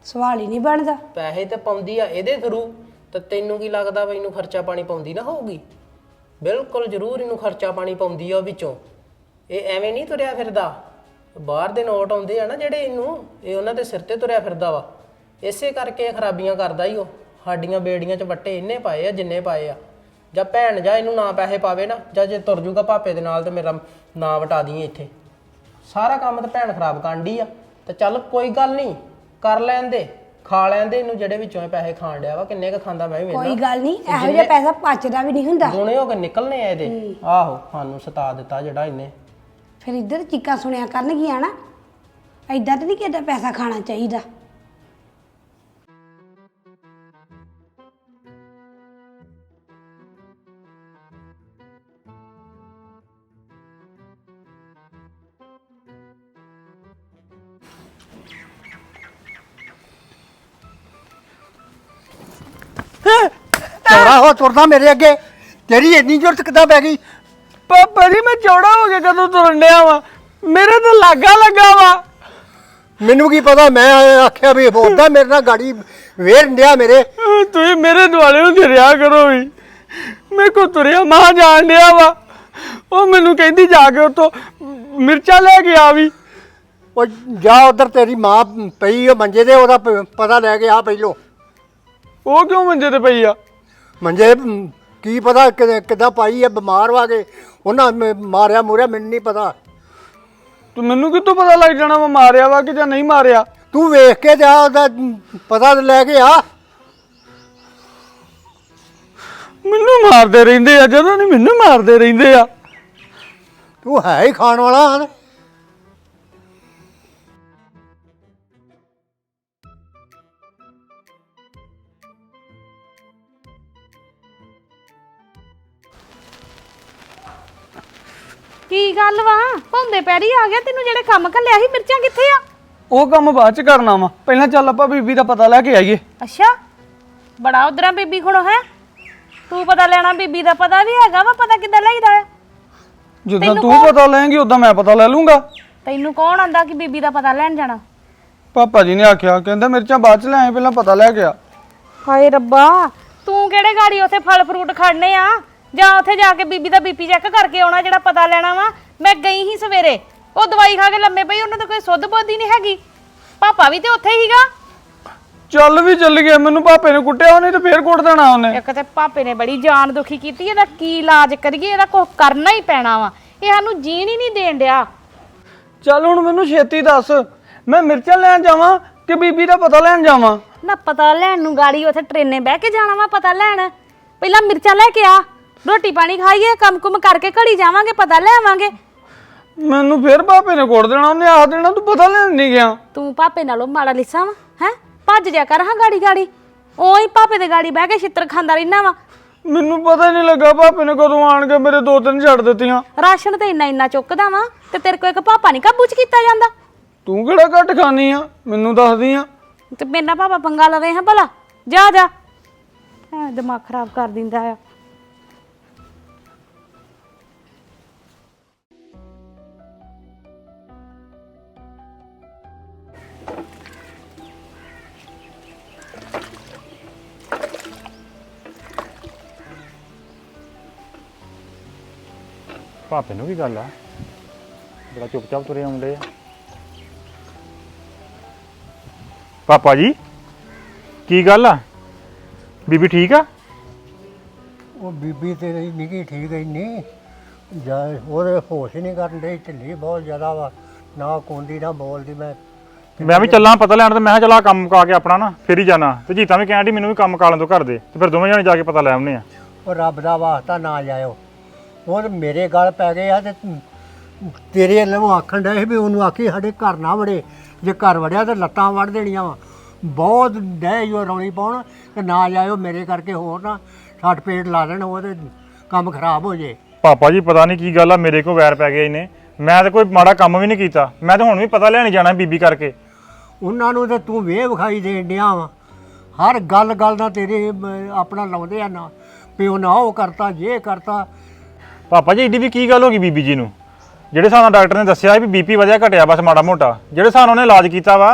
ਸਵਾਲ ਹੀ ਨਹੀਂ ਬਣਦਾ।
ਪੈਸੇ ਤੇ ਪਾਉਂਦੀ ਆ ਇਹਦੇ ਥਰੂ, ਤੇ ਤੈਨੂੰ ਕੀ ਲੱਗਦਾ ਵੀ ਇਹਨੂੰ ਖਰਚਾ ਪਾਣੀ ਪਾਉਂਦੀ ਨਾ ਹੋਊਗੀ? ਬਿਲਕੁਲ ਜ਼ਰੂਰ ਇਹਨੂੰ ਖਰਚਾ ਪਾਣੀ ਪਾਉਂਦੀ ਆ ਉਹ ਵਿੱਚੋਂ। ਇਹ ਐਵੇਂ ਨਹੀਂ ਤੁਰਿਆ ਫਿਰਦਾ। ਬਾਹਰ ਦੇ ਨੋਟ ਆਉਂਦੇ ਆ ਨਾ ਜਿਹੜੇ, ਇਹਨੂੰ ਇਹ ਉਹਨਾਂ ਦੇ ਸਿਰ ਤੇ ਤੁਰਿਆ ਫਿਰਦਾ ਵਾ। ਇਸੇ ਕਰਕੇ ਇਹ ਖਰਾਬੀਆਂ ਕਰਦਾ ਹੀ ਉਹ। ਸਾਡੀਆਂ ਬੇੜੀਆਂ 'ਚ ਵੱਟੇ ਇੰਨੇ ਪਾਏ ਆ ਜਿੰਨੇ ਪਾਏ ਆ। ਜਾਂ ਭੈਣ ਜਾਂ ਇਹਨੂੰ ਨਾ ਪੈਸੇ ਪਾਵੇ ਨਾ, ਜਾਂ ਜੇ ਤੁਰ ਜੂਗਾ ਭਾਪੇ ਦੇ ਨਾਲ ਤੇ ਮੇਰਾ ਨਾਂ ਵਟਾ ਦੀ ਇੱਥੇ। ਸਾਰਾ ਕੰਮ ਤਾਂ ਭੈਣ ਖਰਾਬ ਕਰਨ ਡਈ ਆ। ਤੇ ਚੱਲ ਕੋਈ ਗੱਲ ਨਹੀਂ, ਕਰ ਲੈਣ ਦੇ, ਖਾ ਲੈਣ ਦੇ ਇਹਨੂੰ ਜਿਹੜੇ ਵਿੱਚੋਂ ਇਹ ਪੈਸੇ ਖਾਣ ਡਿਆ ਵਾ। ਕਿੰਨੇ ਕ ਖਾਂਦਾ ਮੈਂ ਵੀ ਵੇਖਣਾ।
ਕੋਈ ਗੱਲ ਨਹੀਂ, ਇਹੋ ਜਿਹਾ ਪੈਸਾ ਪਚਦਾ ਵੀ ਨਹੀਂ ਹੁੰਦਾ।
ਦੁਨੇ ਹੋ ਕੇ ਨਿਕਲਨੇ ਆ ਇਹਦੇ। ਆਹੋ, ਸਾਨੂੰ ਸਤਾ ਦਿੱਤਾ ਜਿਹੜਾ ਇਹਨੇ।
ਫਿਰ ਇੱਧਰ ਚੀਕਾਂ ਸੁਣਿਆ ਕਰਨਗੀਆਂ ਨਾ। ਐਦਾਂ ਤਾਂ ਨਹੀਂ ਕਿਹਦਾ ਪੈਸਾ ਖਾਣਾ ਚਾਹੀਦਾ।
ਚੌੜਾ ਹੋ ਤੁਰਦਾ ਮੇਰੇ ਅੱਗੇ, ਤੇਰੀ ਇੰਨੀ ਜ਼ਰੂਰਤ ਕਿੱਦਾਂ ਪੈ ਗਈ?
ਪਾਪਾ ਜੀ ਮੈਂ ਚੌੜਾ ਹੋ ਕੇ ਕਦੋਂ ਤੁਰਨ ਡਿਆ ਵਾ? ਮੇਰੇ ਤਾਂ ਲਾਗਾ ਲੱਗਾ ਵਾ।
ਮੈਨੂੰ ਕੀ ਪਤਾ, ਮੈਂ ਆਖਿਆ ਵੀ ਉਹਦਾ ਮੇਰੇ ਨਾਲ ਗਾੜੀ ਵੇਰ ਡਿਆ ਮੇਰੇ।
ਤੁਸੀਂ ਮੇਰੇ ਦੁਆਲੇ ਹੁੰਦੇ ਰਿਹਾ ਕਰੋ ਵੀ। ਮੇਰੇ ਕੋ ਤੁਰਿਆ ਮਾਂ ਜਾਣ ਡਿਆ ਵਾ। ਉਹ ਮੈਨੂੰ ਕਹਿੰਦੀ ਜਾ ਕੇ ਉੱਥੋਂ ਮਿਰਚਾਂ ਲੈ ਕੇ ਆ ਵੀ।
ਉਹ ਜਾ ਉਧਰ, ਤੇਰੀ ਮਾਂ ਪਈ ਉਹ ਮੰਜੇ ਤੇ, ਉਹਦਾ ਪ- ਪਤਾ ਲੈ ਕੇ ਆ ਪਹਿਲੋਂ।
ਉਹ ਕਿਉਂ ਮੰਜੇ ਤੇ ਪਈ ਆ?
ਮੰਜੇ ਮ, ਕੀ ਪਤਾ ਕਿ- ਕਿੱਦਾਂ ਪਾਈ ਆ, ਬਿਮਾਰ ਵਾ ਕੇ ਉਹਨਾਂ ਮ- ਮਾਰਿਆ ਮੁਰਿਆ, ਮੈਨੂੰ ਨਹੀਂ ਪਤਾ।
ਤੂੰ ਮੈਨੂੰ ਕਿੱਥੋਂ ਪਤਾ ਲੱਗ ਜਾਣਾ ਵਾ ਮਾਰਿਆ ਵਾ ਕਿ ਜਾਂ ਨਹੀਂ ਮਾਰਿਆ?
ਤੂੰ ਵੇਖ ਕੇ ਜਾ, ਉਹਦਾ ਪਤਾ ਲੈ ਕੇ ਆ।
ਮੈਨੂੰ ਮਾਰਦੇ ਰਹਿੰਦੇ ਆ, ਜਦੋਂ ਨਹੀਂ ਮੈਨੂੰ ਮਾਰਦੇ ਰਹਿੰਦੇ ਆ।
ਤੂੰ ਹੈ ਹੀ ਖਾਣ ਵਾਲਾ ਹਨ।
ਕੀ ਗੱਲ ਵਾ ਭੌਂਦੇ ਪੈਰੀ ਆ ਗਿਆ ਤੈਨੂੰ? ਜਿਹੜੇ ਕੰਮ ਘੱਲਿਆ ਸੀ ਮਿਰਚਾਂ ਕਿੱਥੇ ਆ?
ਉਹ ਕੰਮ ਬਾਅਦ ਚ ਕਰਨਾ ਵਾ, ਪਹਿਲਾਂ ਚੱਲ ਆਪਾਂ ਬੀਬੀ ਦਾ ਪਤਾ ਲੈ ਕੇ ਆਈਏ।
ਅੱਛਾ, ਬੜਾ ਉਧਰਾਂ ਬੀਬੀ ਕੋਲੋਂ ਹੈ। ਤੂੰ ਪਤਾ ਲੈਣਾ, ਬੀਬੀ ਦਾ ਪਤਾ ਵੀ ਹੈਗਾ ਵਾ। ਪਤਾ ਕਿੱਦਾਂ ਲਈਦਾ ਹੈ?
ਜਦੋਂ ਤੂੰ ਪਤਾ ਲੈਂਗੀ ਉਦਾਂ ਮੈਂ ਪਤਾ ਲੈ ਲੂੰਗਾ।
ਤੈਨੂੰ ਕੌਣ ਆਂਦਾ ਕਿ ਬੀਬੀ ਦਾ ਪਤਾ ਲੈਣ ਜਾਣਾ?
ਪਾਪਾ ਜੀ ਨੇ ਆਖਿਆ, ਕਹਿੰਦਾ ਮਿਰਚਾਂ ਬਾਅਦ ਚ ਲੈ ਆਏ, ਪਹਿਲਾਂ ਪਤਾ ਲੈ ਕੇ ਆ।
ਹਾਏ ਰੱਬਾ, ਤੂੰ ਕਿਹੜੇ ਗਾੜੀ ਉੱਥੇ ਫਲ ਫਰੂਟ ਖੜਨੇ ਆ? ਜਾਂ ਉੱਥੇ ਜਾ ਕੇ ਬੀਬੀ ਦਾ ਬੀਪੀ ਚੈੱਕ ਕਰਕੇ ਆਉਣਾ ਜਿਹੜਾ ਪਤਾ ਲੈਣਾ ਵਾ। ਮੈਂ ਗਈ ਹੀ ਸਵੇਰੇ, ਉਹ ਦਵਾਈ ਖਾ ਕੇ ਲੰਮੇ ਪਈ, ਉਹਨਾਂ ਦਾ ਕੋਈ ਸੁੱਧ ਬੁੱਧ ਹੀ ਨਹੀਂ ਹੈਗੀ। ਪਾਪਾ ਵੀ ਤੇ ਉੱਥੇ ਹੀਗਾ।
ਚੱਲ ਵੀ ਚੱਲ ਗਿਆ, ਮੈਨੂੰ ਪਾਪੇ ਨੇ ਕੁੱਟਿਆ ਉਹਨੇ ਤੇ ਫੇਰ ਕੁੱਟ ਦੇਣਾ ਉਹਨੇ।
ਇੱਕ ਤੇ ਪਾਪੇ ਨੇ ਬੜੀ ਜਾਨ ਦੁਖੀ ਕੀਤੀ। ਇਹਦਾ ਕੀ ਇਲਾਜ ਕਰੀਏ? ਇਹਦਾ ਕੁਝ ਕਰਨਾ ਹੀ ਪੈਣਾ ਵਾ। ਇਹ ਸਾਨੂੰ ਜੀਣ ਹੀ ਨਹੀਂ ਦੇਣ ਡਿਆ।
ਚੱਲ ਹੁਣ ਮੈਨੂੰ ਛੇਤੀ ਦੱਸ, ਮੈਂ ਮਿਰਚਾਂ ਲੈਣ ਜਾਵਾਂ ਕਿ ਬੀਬੀ ਦਾ ਪਤਾ ਲੈਣ ਜਾਵਾਂ?
ਨਾ ਪਤਾ ਲੈਣ ਨੂੰ ਗਾੜੀ ਉੱਥੇ ਟ੍ਰੇਨੇ ਬਹਿ ਕੇ ਜਾਣਾ ਵਾ ਪਤਾ ਲੈਣ? ਪਹਿਲਾਂ ਮਿਰਚਾਂ ਲੈ ਕੇ ਆ, ਰੋਟੀ ਪਾਣੀ ਖਾਈਏ, ਕੰਮ ਕੁਮ ਕਰਕੇ ਘੜੀ ਜਾਵਾਂਗੇ, ਪਤਾ ਲੈ ਆਵਾਂਗੇ।
ਮੈਨੂੰ ਫੇਰ ਪਾਪੇ ਨੇ ਕੁੱਟ ਦੇਣਾ, ਉਹਨੇ ਆਖ ਦੇਣਾ ਤੂੰ ਪਤਾ ਲੈਣ ਨਹੀਂ ਗਿਆ।
ਤੂੰ ਪਾਪੇ ਨਾਲੋਂ ਮਾੜਾ ਲਿਸਾ ਵਾ ਹੈ? ਭੱਜ ਜਾ ਕਰ ਹਾਂ ਗਾੜੀ ਗਾੜੀ। ਉਹੀ ਪਾਪੇ ਦੇ ਗਾੜੀ ਬਹਿ ਕੇ ਛਿੱਤਰ ਖਾਂਦਾ ਰਹਿਣਾ ਵਾ।
ਮੈਨੂੰ ਪਤਾ ਹੀ ਨਹੀਂ ਲੱਗਾ ਪਾਪੇ ਨੇ ਕਦੋਂ ਆਣ ਕੇ ਮੇਰੇ ਦੋ ਤਿੰਨ ਛੱਡ ਦਿੱਤੀਆਂ।
ਰਾਸ਼ਨ ਤੇ ਇੰਨਾ ਇੰਨਾ ਚੁੱਕਦਾ ਵਾ ਤੇ ਤੇਰੇ ਕੋਲ ਇੱਕ ਪਾਪਾ ਨਹੀਂ ਕਾਬੂ ਚ ਕੀਤਾ ਜਾਂਦਾ।
ਤੂੰ ਕਿਹੜਾ ਘੱਟ ਖਾਨੀ ਆ, ਮੈਨੂੰ ਦੱਸਦੀ ਆ।
ਤੇ ਮੇਰੇ ਨਾਲ ਪਾਪਾ ਪੰਗਾ ਲਵੇ ਹਾਂ ਭਲਾ? ਜਾ ਜਾ, ਐ ਦਿਮਾਗ ਖਰਾਬ ਕਰ ਦਿੰਦਾ ਆ।
ਭਾਪੇ ਨੂੰ ਕੀ ਗੱਲ ਆ? ਬੜਾ ਚੁੱਪਚਾਪ ਤੁਰੇ ਆਉਂਦੇ ਆ। ਪਾਪਾ ਜੀ ਕੀ ਗੱਲ ਆ? ਬੀਬੀ ਠੀਕ ਆ?
ਉਹ ਬੀਬੀ ਤੇਰੀ ਨਿੱਕੀ ਠੀਕ ਹੈ ਨਹੀਂ ਜਾ, ਉਹਦੇ ਹੋਸ਼ ਹੀ ਨਹੀਂ ਕਰਨ ਦੇ, ਢਿੱਲੀ ਬਹੁਤ ਜ਼ਿਆਦਾ ਵਾ, ਨਾ ਕੋਂਦੀ ਨਾ ਬੋਲਦੀ। ਮੈਂ
ਮੈਂ ਵੀ ਚੱਲਾਂ ਪਤਾ ਲੈਣ, ਤੇ ਮੈਂ ਕਿਹਾ ਚਲਾ ਕੰਮ ਮੁਕਾ ਕੇ ਆਪਣਾ ਨਾ ਫਿਰ ਹੀ ਜਾਣਾ। ਤੇ ਜੀਤਾ ਵੀ ਕਹਿਣ ਡਈ ਮੈਨੂੰ ਵੀ ਕੰਮ ਕਾਲਣ ਤੋਂ ਘਰ ਦੇ, ਤੇ ਫਿਰ ਦੋਵੇਂ ਜਣੇ ਜਾ ਕੇ ਪਤਾ ਲੈ ਆਉਂਦੇ ਆ।
ਉਹ ਰੱਬ ਦਾ ਵਾਸਤਾ ਨਾ ਜਾਇਓ, ਉਹ ਤੇ ਮੇਰੇ ਗਲ ਪੈ ਗਏ ਆ। ਤੇ ਤੇਰੇ ਵੱਲੋਂ ਆਖਣ ਡਏ ਵੀ ਉਹਨੂੰ ਆਖੀ ਸਾਡੇ ਘਰ ਨਾ ਵੜੇ, ਜੇ ਘਰ ਵੜਿਆ ਤੇ ਲੱਤਾਂ ਵੜ ਦੇਣੀਆਂ ਵਾ। ਬਹੁਤ ਡੈ ਜੋ ਰੌਲੀ ਪਾਉਣ ਤੇ ਨਾ ਜਾਇਓ ਮੇਰੇ ਕਰਕੇ, ਹੋਰ ਨਾ ਛੱਟ ਪੇਟ ਲਾ ਦੇਣ ਉਹ ਤੇ ਕੰਮ ਖਰਾਬ ਹੋ ਜੇ।
ਪਾਪਾ ਜੀ ਪਤਾ ਨਹੀਂ ਕੀ ਗੱਲ ਆ, ਮੇਰੇ ਕੋਲ ਵੈਰ ਪੈ ਗਿਆ ਇਹਨੇ। ਮੈਂ ਤਾਂ ਕੋਈ ਮਾੜਾ ਕੰਮ ਵੀ ਨਹੀਂ ਕੀਤਾ, ਮੈਂ ਤਾਂ ਹੁਣ ਵੀ ਪਤਾ ਲੈਣ ਜਾਣਾ ਬੀਬੀ ਕਰਕੇ।
ਉਹਨਾਂ ਨੂੰ ਤੇ ਤੂੰ ਵੇਹ ਵਿਖਾਈ ਦੇਣ ਡਿਆ ਵਾ, ਹਰ ਗੱਲ ਗੱਲ ਦਾ ਤੇਰੇ ਅਮ, ਆਪਣਾ ਲਾਉਂਦੇ ਆ ਨਾ, ਪਿਓ ਨਾ ਉਹ ਕਰਤਾ ਜੇ ਕਰਤਾ।
ਪਾਪਾ ਜੀ ਏਡੀ ਵੀ ਕੀ ਗੱਲ ਹੋ ਗਈ ਬੀਬੀ ਜੀ ਨੂੰ? ਜਿਹੜੇ ਹਿਸਾਬ ਨਾਲ ਡਾਕਟਰ ਨੇ ਦੱਸਿਆ ਵੀ ਬੀਪੀ ਵਧਿਆ ਘਟਿਆ ਬਸ ਮਾੜਾ ਮੋਟਾ, ਜਿਹੜੇ ਹਿਸਾਬ ਨਾਲ ਉਹਨੇ ਇਲਾਜ ਕੀਤਾ ਵਾ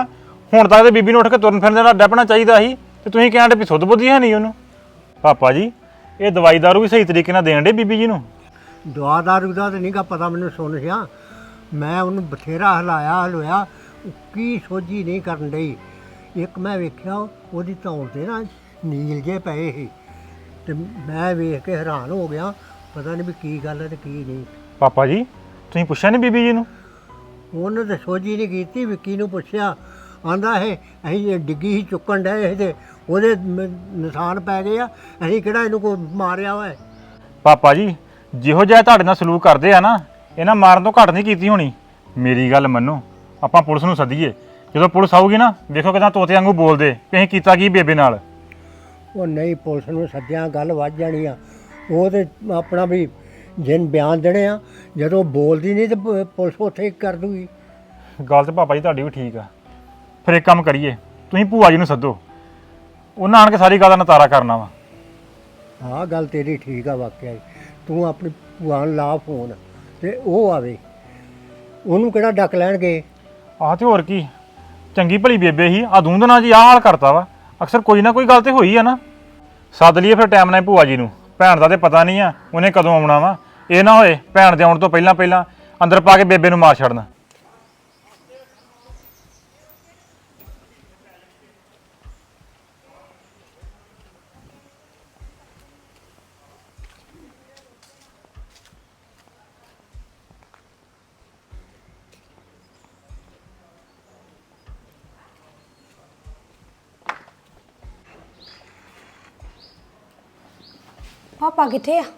ਹੁਣ ਤੱਕ ਤੇ ਬੀਬੀ ਨੂੰ ਉੱਠ ਕੇ ਤੁਰਨ ਫਿਰਨ ਦਾ ਡੱਪਣਾ ਚਾਹੀਦਾ ਸੀ ਤੇ ਤੁਸੀਂ ਕਹਿੰਦੇ ਵੀ ਸੁੱਧ ਬੁੱਧੀ ਹੈ ਨਹੀਂ ਉਹਨੂੰ। ਪਾਪਾ ਜੀ ਇਹ ਦਵਾਈ ਦਾਰੂ ਵੀ ਸਹੀ ਤਰੀਕੇ ਨਾਲ ਦੇਣ ਦੇ ਬੀਬੀ ਜੀ ਨੂੰ।
ਦਵਾ ਦਾਰੂ ਦਾ ਤਾਂ ਨਹੀਂਗਾ ਪਤਾ ਮੈਨੂੰ, ਸੁਣ ਸਿਆ ਮੈਂ ਉਹਨੂੰ ਬਥੇਰਾ ਹਲਾਇਆ ਹਲੋਇਆ, ਕੀ ਸੋਝੀ ਨਹੀਂ ਕਰਨ ਡਈ। ਇੱਕ ਮੈਂ ਵੇਖਿਆ ਉਹਦੀ ਧੌਣ ਤੇ ਨਾ ਨੀਲ ਜੇ ਪਏ ਸੀ ਤੇ ਮੈਂ ਵੇਖ ਕੇ ਹੈਰਾਨ ਹੋ ਗਿਆ, ਪਤਾ ਨਹੀਂ ਵੀ ਕੀ ਗੱਲ ਹੈ ਤੇ ਕੀ ਨਹੀਂ।
ਪਾਪਾ ਜੀ ਤੁਸੀਂ ਪੁੱਛਿਆ ਨਹੀਂ ਬੀਬੀ ਜੀ ਨੂੰ?
ਉਹਨੇ ਤਾਂ ਸੋਝੀ ਨਹੀਂ ਕੀਤੀ, ਵਿੱਕੀ ਨੂੰ ਪੁੱਛਿਆ, ਆਂਦਾ ਇਹ ਅਸੀਂ ਡਿੱਗੀ ਹੀ ਚੁੱਕਣ ਡਏ ਤੇ ਉਹਦੇ ਮ- ਨਿਸ਼ਾਨ ਪੈ ਗਏ ਆ, ਅਸੀਂ ਕਿਹੜਾ ਇਹਨੂੰ ਕੋਈ ਮਾਰਿਆ ਹੋਇਆ।
ਪਾਪਾ ਜੀ ਜਿਹੋ ਜਿਹਾ ਤੁਹਾਡੇ ਨਾਲ ਸਲੂਕ ਕਰਦੇ ਆ ਨਾ, ਇਹਨਾਂ ਮਾਰਨ ਤੋਂ ਘੱਟ ਨਹੀਂ ਕੀਤੀ ਹੋਣੀ। ਮੇਰੀ ਗੱਲ ਮੰਨੋ, ਆਪਾਂ ਪੁਲਿਸ ਨੂੰ ਸੱਦੀਏ। ਜਦੋਂ ਪੁਲਿਸ ਆਊਗੀ ਨਾ ਵੇਖੋ ਕਿਦਾਂ ਤੋਤੇ ਵਾਂਗੂ ਬੋਲਦੇ ਵੀ ਅਸੀਂ ਕੀਤਾ ਕੀ ਬੇਬੇ ਨਾਲ।
ਉਹ ਨਹੀਂ, ਪੁਲਿਸ ਨੂੰ ਸੱਦਿਆ ਗੱਲ ਵੱਧ ਜਾਣੀ ਆ। ਉਹ ਤੇ ਆਪਣਾ ਵੀ ਜਿਨ ਬਿਆਨ ਦੇਣੇ ਆ, ਜਦੋਂ ਬੋਲਦੀ ਨਹੀਂ ਤੇ ਪ- ਪੁਲਿਸ ਉੱਥੇ ਹੀ ਕਰ ਦੂਗੀ।
ਗੱਲ ਤੇ ਪਾਪਾ ਜੀ ਤੁਹਾਡੀ ਵੀ ਠੀਕ ਆ। ਫਿਰ ਇੱਕ ਕੰਮ ਕਰੀਏ, ਤੁਸੀਂ ਭੂਆ ਜੀ ਨੂੰ ਸੱਦੋ, ਉਹਨਾਂ ਆਣ ਕੇ ਸਾਰੀ ਗੱਲ ਦਾ ਨਤਾਰਾ ਕਰਨਾ ਵਾ।
ਆਹ ਗੱਲ ਤੇਰੀ ਠੀਕ ਆ ਵਾਕਿਆ ਹੀ। ਤੂੰ ਆਪਣੀ ਭੂਆ ਨੂੰ ਲਾ ਫੋਨ ਤੇ ਉਹ ਆਵੇ, ਉਹਨੂੰ ਕਿਹੜਾ ਡੱਕ ਲੈਣਗੇ।
ਆਹ ਤੇ ਹੋਰ ਕੀ, ਚੰਗੀ ਭਲੀ ਬੇਬੇ ਹੀ ਆ ਦੂੰਦ ਨਾਲ ਜੀ ਆਹ ਹਾਲ ਕਰਤਾ ਵਾ। ਅਕਸਰ ਕੋਈ ਨਾ ਕੋਈ ਗੱਲ ਤੇ ਹੋਈ ਆ ਨਾ। ਸੱਦ ਲਈਏ ਫਿਰ ਟਾਈਮ ਨਾਲ ਭੂਆ ਜੀ ਨੂੰ। ਭੈਣ ਦਾ ਤੇ ਪਤਾ ਨਹੀਂ ਆ ਉਹਨੇ ਕਦੋਂ ਆਉਣਾ ਵਾ। ਇਹ ਨਾ ਹੋਏ ਭੈਣ ਦੇ ਆਉਣ ਤੋਂ ਪਹਿਲਾਂ ਪਹਿਲਾਂ ਅੰਦਰ ਪਾ ਕੇ ਬੇਬੇ ਨੂੰ ਮਾਰ ਛੱਡਣਾ।
ਪਾਪਾ ਕਿੱਥੇ ਆ?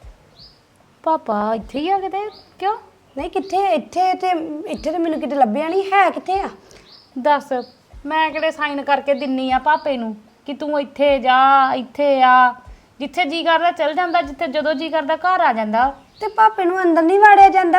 ਪਾਪਾ ਇੱਥੇ ਹੀ ਆ ਕਿਤੇ? ਕਿਉਂ?
ਨਹੀਂ ਕਿੱਥੇ? ਇੱਥੇ ਤੇ ਇੱਥੇ ਤੇ ਮੈਨੂੰ ਕਿਤੇ ਲੱਭਿਆ ਨਹੀਂ ਹੈ, ਕਿੱਥੇ ਆ?
ਦੱਸ, ਮੈਂ ਕਿਹੜੇ ਸਾਈਨ ਕਰਕੇ ਦਿੰਨੀ ਆ ਪਾਪੇ ਨੂੰ ਕਿ ਤੂੰ ਇੱਥੇ ਜਾ ਇੱਥੇ ਆ? ਜਿੱਥੇ ਜੀ ਕਰਦਾ ਚਲ ਜਾਂਦਾ, ਜਿੱਥੇ ਜਦੋਂ ਜੀ ਕਰਦਾ ਘਰ ਆ ਜਾਂਦਾ।
ਤੇ ਪਾਪੇ ਨੂੰ ਅੰਦਰ ਨਹੀਂ ਵਾੜਿਆ ਜਾਂਦਾ?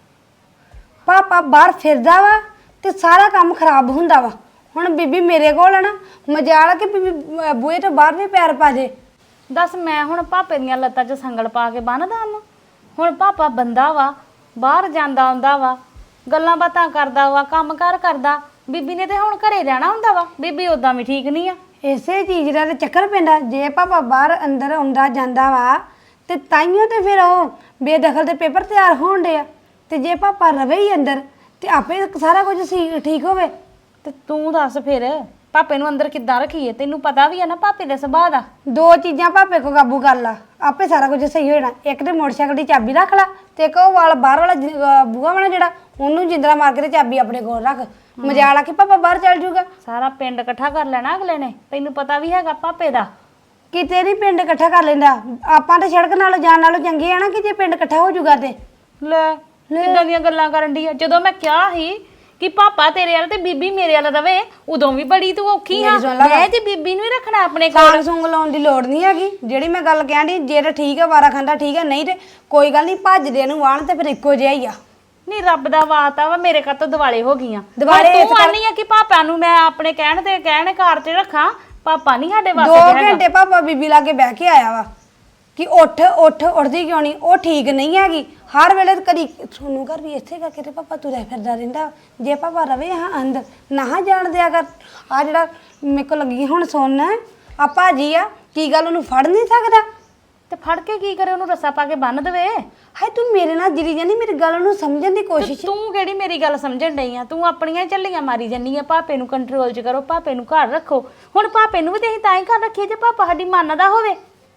ਪਾਪਾ ਬਾਹਰ ਫਿਰਦਾ ਵਾ ਤੇ ਸਾਰਾ ਕੰਮ ਖਰਾਬ ਹੁੰਦਾ ਵਾ। ਹੁਣ ਬੀਬੀ ਮੇਰੇ ਕੋਲ ਆ ਨਾ, ਮਜਾਲ ਕਿ ਬੀਬੀ ਅਹ ਬੂਹੇ ਤੋਂ ਬਾਹਰ ਵੀ ਪੈਰ ਪਾ ਜੇ।
ਦੱਸ, ਮੈਂ ਹੁਣ ਪਾਪੇ ਦੀਆਂ ਲੱਤਾਂ 'ਚ ਸੰਗਲ ਪਾ ਕੇ ਬੰਨਦਾ ਉਹਨੂੰ? ਹੁਣ ਪਾਪਾ ਬੰਦਾ ਵਾ, ਬਾਹਰ ਜਾਂਦਾ ਆਉਂਦਾ ਵਾ, ਗੱਲਾਂ ਬਾਤਾਂ ਕਰਦਾ ਵਾ, ਕੰਮ ਕਾਰ ਕਰਦਾ। ਬੀਬੀ ਨੇ ਤੇ ਹੁਣ ਘਰੇ ਰਹਿਣਾ ਹੁੰਦਾ ਵਾ। ਬੀਬੀ ਉਦਾਂ ਵੀ ਠੀਕ ਨਹੀਂ ਆ।
ਇਸੇ ਚੀਜ਼ ਦਾ ਤੇ ਚੱਕਰ ਪੈਂਦਾ। ਜੇ ਪਾਪਾ ਬਾਹਰ ਅੰਦਰ ਆਉਂਦਾ ਜਾਂਦਾ ਵਾ ਤੇ ਤਾਈਓ ਤੇ ਫਿਰ ਉਹ ਬੇਦਖਲ ਦੇ ਪੇਪਰ ਤਿਆਰ ਹੋਣ ਡੇ ਆ। ਤੇ ਜੇ ਪਾਪਾ ਰਵੇ ਹੀ ਅੰਦਰ ਤੇ ਆਪੇ ਸਾਰਾ ਕੁਝ ਸੀ ਠੀਕ ਹੋਵੇ।
ਤੇ ਤੂੰ ਦੱਸ ਫਿਰ ਪਾਪੇ ਨੂੰ ਅੰਦਰ ਕਿੱਦਾਂ ਰੱਖੀਏ? ਤੈਨੂੰ ਪਤਾ ਵੀ ਆ ਨਾ ਪਾਪੇ ਦੇ ਸੁਭਾਅ ਦਾ।
ਦੋ ਚੀਜ਼ਾਂ ਪਾਪੇ ਕੋ ਕਾਬੂ ਕਰ ਲਾ, ਆਪੇ ਸਾਰਾ ਕੁਝ ਸਹੀ ਹੋ ਜਾਣਾ। ਇੱਕ ਤੇ ਮੋਟਰਸਾਈਕਲ ਦੀ ਚਾਬੀ ਰੱਖ ਲਾ ਤੇ ਇੱਕ ਉਹ ਵਾਲਾ ਬਾਹਰ ਵਾਲਾ ਜਿ- ਅਹ ਬੂਹਾ ਵਾਲਾ ਜਿਹੜਾ, ਉਹਨੂੰ ਜਿੰਦਰਾ ਮਾਰ ਕੇ ਤੇ ਚਾਬੀ ਆਪਣੇ ਕੋਲ ਰੱਖ। ਮਜਾਲ ਆ ਕਿ ਪਾਪਾ ਬਾਹਰ ਚੱਲ ਜੂਗਾ।
ਸਾਰਾ ਪਿੰਡ ਇਕੱਠਾ ਕਰ ਲੈਣਾ ਅਗਲੇ ਨੇ। ਤੈਨੂੰ ਪਤਾ ਵੀ ਹੈਗਾ ਪਾਪੇ ਦਾ।
ਕਿਤੇ ਨਹੀਂ ਪਿੰਡ ਇਕੱਠਾ ਕਰ ਲੈਂਦਾ। ਆਪਾਂ ਤੇ ਸੜਕ ਨਾਲੋਂ ਜਾਣ ਨਾਲੋਂ ਚੰਗੇ ਆ ਨਾ ਕਿ ਜੇ ਪਿੰਡ ਇਕੱਠਾ ਹੋ ਜੂਗਾ ਤੇ।
ਲੈ ਕਿੱਦਾਂ ਦੀਆਂ ਗੱਲਾਂ ਕਰਨ ਦੀ ਆ? ਜਦੋਂ ਮੈਂ ਕਿਹਾ ਸੀ ਕਿ ਪਾਪਾ ਤੇਰੇ ਵਾਲ ਤੇ ਬੀਬੀ ਮੇਰੇ ਵਾਲ ਰਵੇ, ਉਦੋਂ ਵੀ ਬੜੀ ਤੂੰ ਔਖੀ ਆ। ਮੈਂ ਤੇ ਬੀਬੀ ਨੂੰ ਹੀ ਰੱਖਣਾ ਆਪਣੇ ਕੋਲ।
ਕਾਂਗ ਸੁੰਗ ਲਾਉਣ ਦੀ ਲੋੜ ਨਹੀਂ ਹੈਗੀ। ਜਿਹੜੀ ਮੈਂ ਗੱਲ ਕਹਿਣ ਦੀ, ਜੇ ਤਾਂ ਠੀਕ ਆ ਵਾਰਾ ਖਾਂਦਾ ਠੀਕ ਆ, ਨਹੀਂ ਤੇ ਕੋਈ ਗੱਲ ਨਹੀਂ, ਭੱਜਦੇ ਨੂੰ ਵਾਣ ਤੇ ਫਿਰ ਇੱਕੋ ਜਿਹਾ ਹੀ ਆ।
ਨਹੀਂ ਰੱਬ ਦਾ ਵਾਤਾ ਵਾ, ਮੇਰੇ ਘਰ ਤੋਂ ਦਿਵਾਲੇ ਹੋ ਗਈਆਂ।
ਦਿਵਾਲੇ
ਤੂੰ ਆਨੀ ਆ ਕਿ ਪਾਪਾ ਨੂੰ ਮੈਂ ਆਪਣੇ ਕਹਿਣ ਤੇ ਕਹਿਣ ਘਰ 'ਚ ਰੱਖਾਂ। ਪਾਪਾ ਨਹੀਂ ਸਾਡੇ
ਦੋ
ਵਾਸਤੇ ਹੈਗਾ।
ਘੰਟੇ ਪਾਪਾ ਬੀਬੀ ਲਾਗੇ ਬਹਿ ਕੇ ਆਇਆ ਵਾ ਕਿ ਉੱਠ ਉੱਠ ਉੱਠਦੀ ਕਿਉਂ ਨਹੀਂ? ਉਹ ਠੀਕ ਨਹੀਂ ਹੈਗੀ। ਹਰ ਵੇਲੇ ਕਦੀ ਸੋਨੂੰ ਘਰ ਵੀ ਇੱਥੇ ਕਰਕੇ ਤੇ ਪਾਪਾ ਤੁਰਿਆ ਫਿਰਦਾ ਰਹਿੰਦਾ। ਜੇ ਪਾਪਾ ਰਵੇ ਹਾਂ ਅੰਦਰ, ਨਾ ਜਾਣ ਦਿਆ ਕਰ। ਆ ਜਿਹੜਾ ਮੇਰੇ ਕੋਲ ਲੱਗੀ ਹੁਣ ਸੁਣ, ਆ ਭਾਜੀ ਆ, ਕੀ ਗੱਲ ਉਹਨੂੰ ਫੜ ਨਹੀਂ ਸਕਦਾ?
ਤੇ ਫੜ ਕੇ ਕੀ ਕਰੇ? ਉਹਨੂੰ ਰੱਸਾ ਪਾ ਕੇ ਬੰਨ ਦੇਵੇ।
ਹਾਏ ਤੂੰ ਮੇਰੇ ਨਾਲ ਜਿਰੀ ਜਾਨੀ, ਮੇਰੀ ਗੱਲ ਨੂੰ ਸਮਝਣ ਦੀ ਕੋਸ਼ਿਸ਼।
ਤੂੰ ਕਿਹੜੀ ਮੇਰੀ ਗੱਲ ਸਮਝਣ ਡਈ ਆ? ਤੂੰ ਆਪਣੀਆਂ ਝੱਲੀਆਂ ਮਾਰੀ ਜੰਨੀ ਆ। ਪਾਪੇ ਨੂੰ ਕੰਟਰੋਲ 'ਚ ਕਰੋ, ਪਾਪੇ ਨੂੰ ਘਰ ਰੱਖੋ। ਹੁਣ ਪਾਪੇ ਨੂੰ ਵੀ ਤੇ ਅਸੀਂ ਤਾਂ ਹੀ ਘਰ ਰੱਖੀਏ ਜੇ ਪਾਪਾ ਸਾਡੀ ਮੰਨਦਾ ਹੋਵੇ।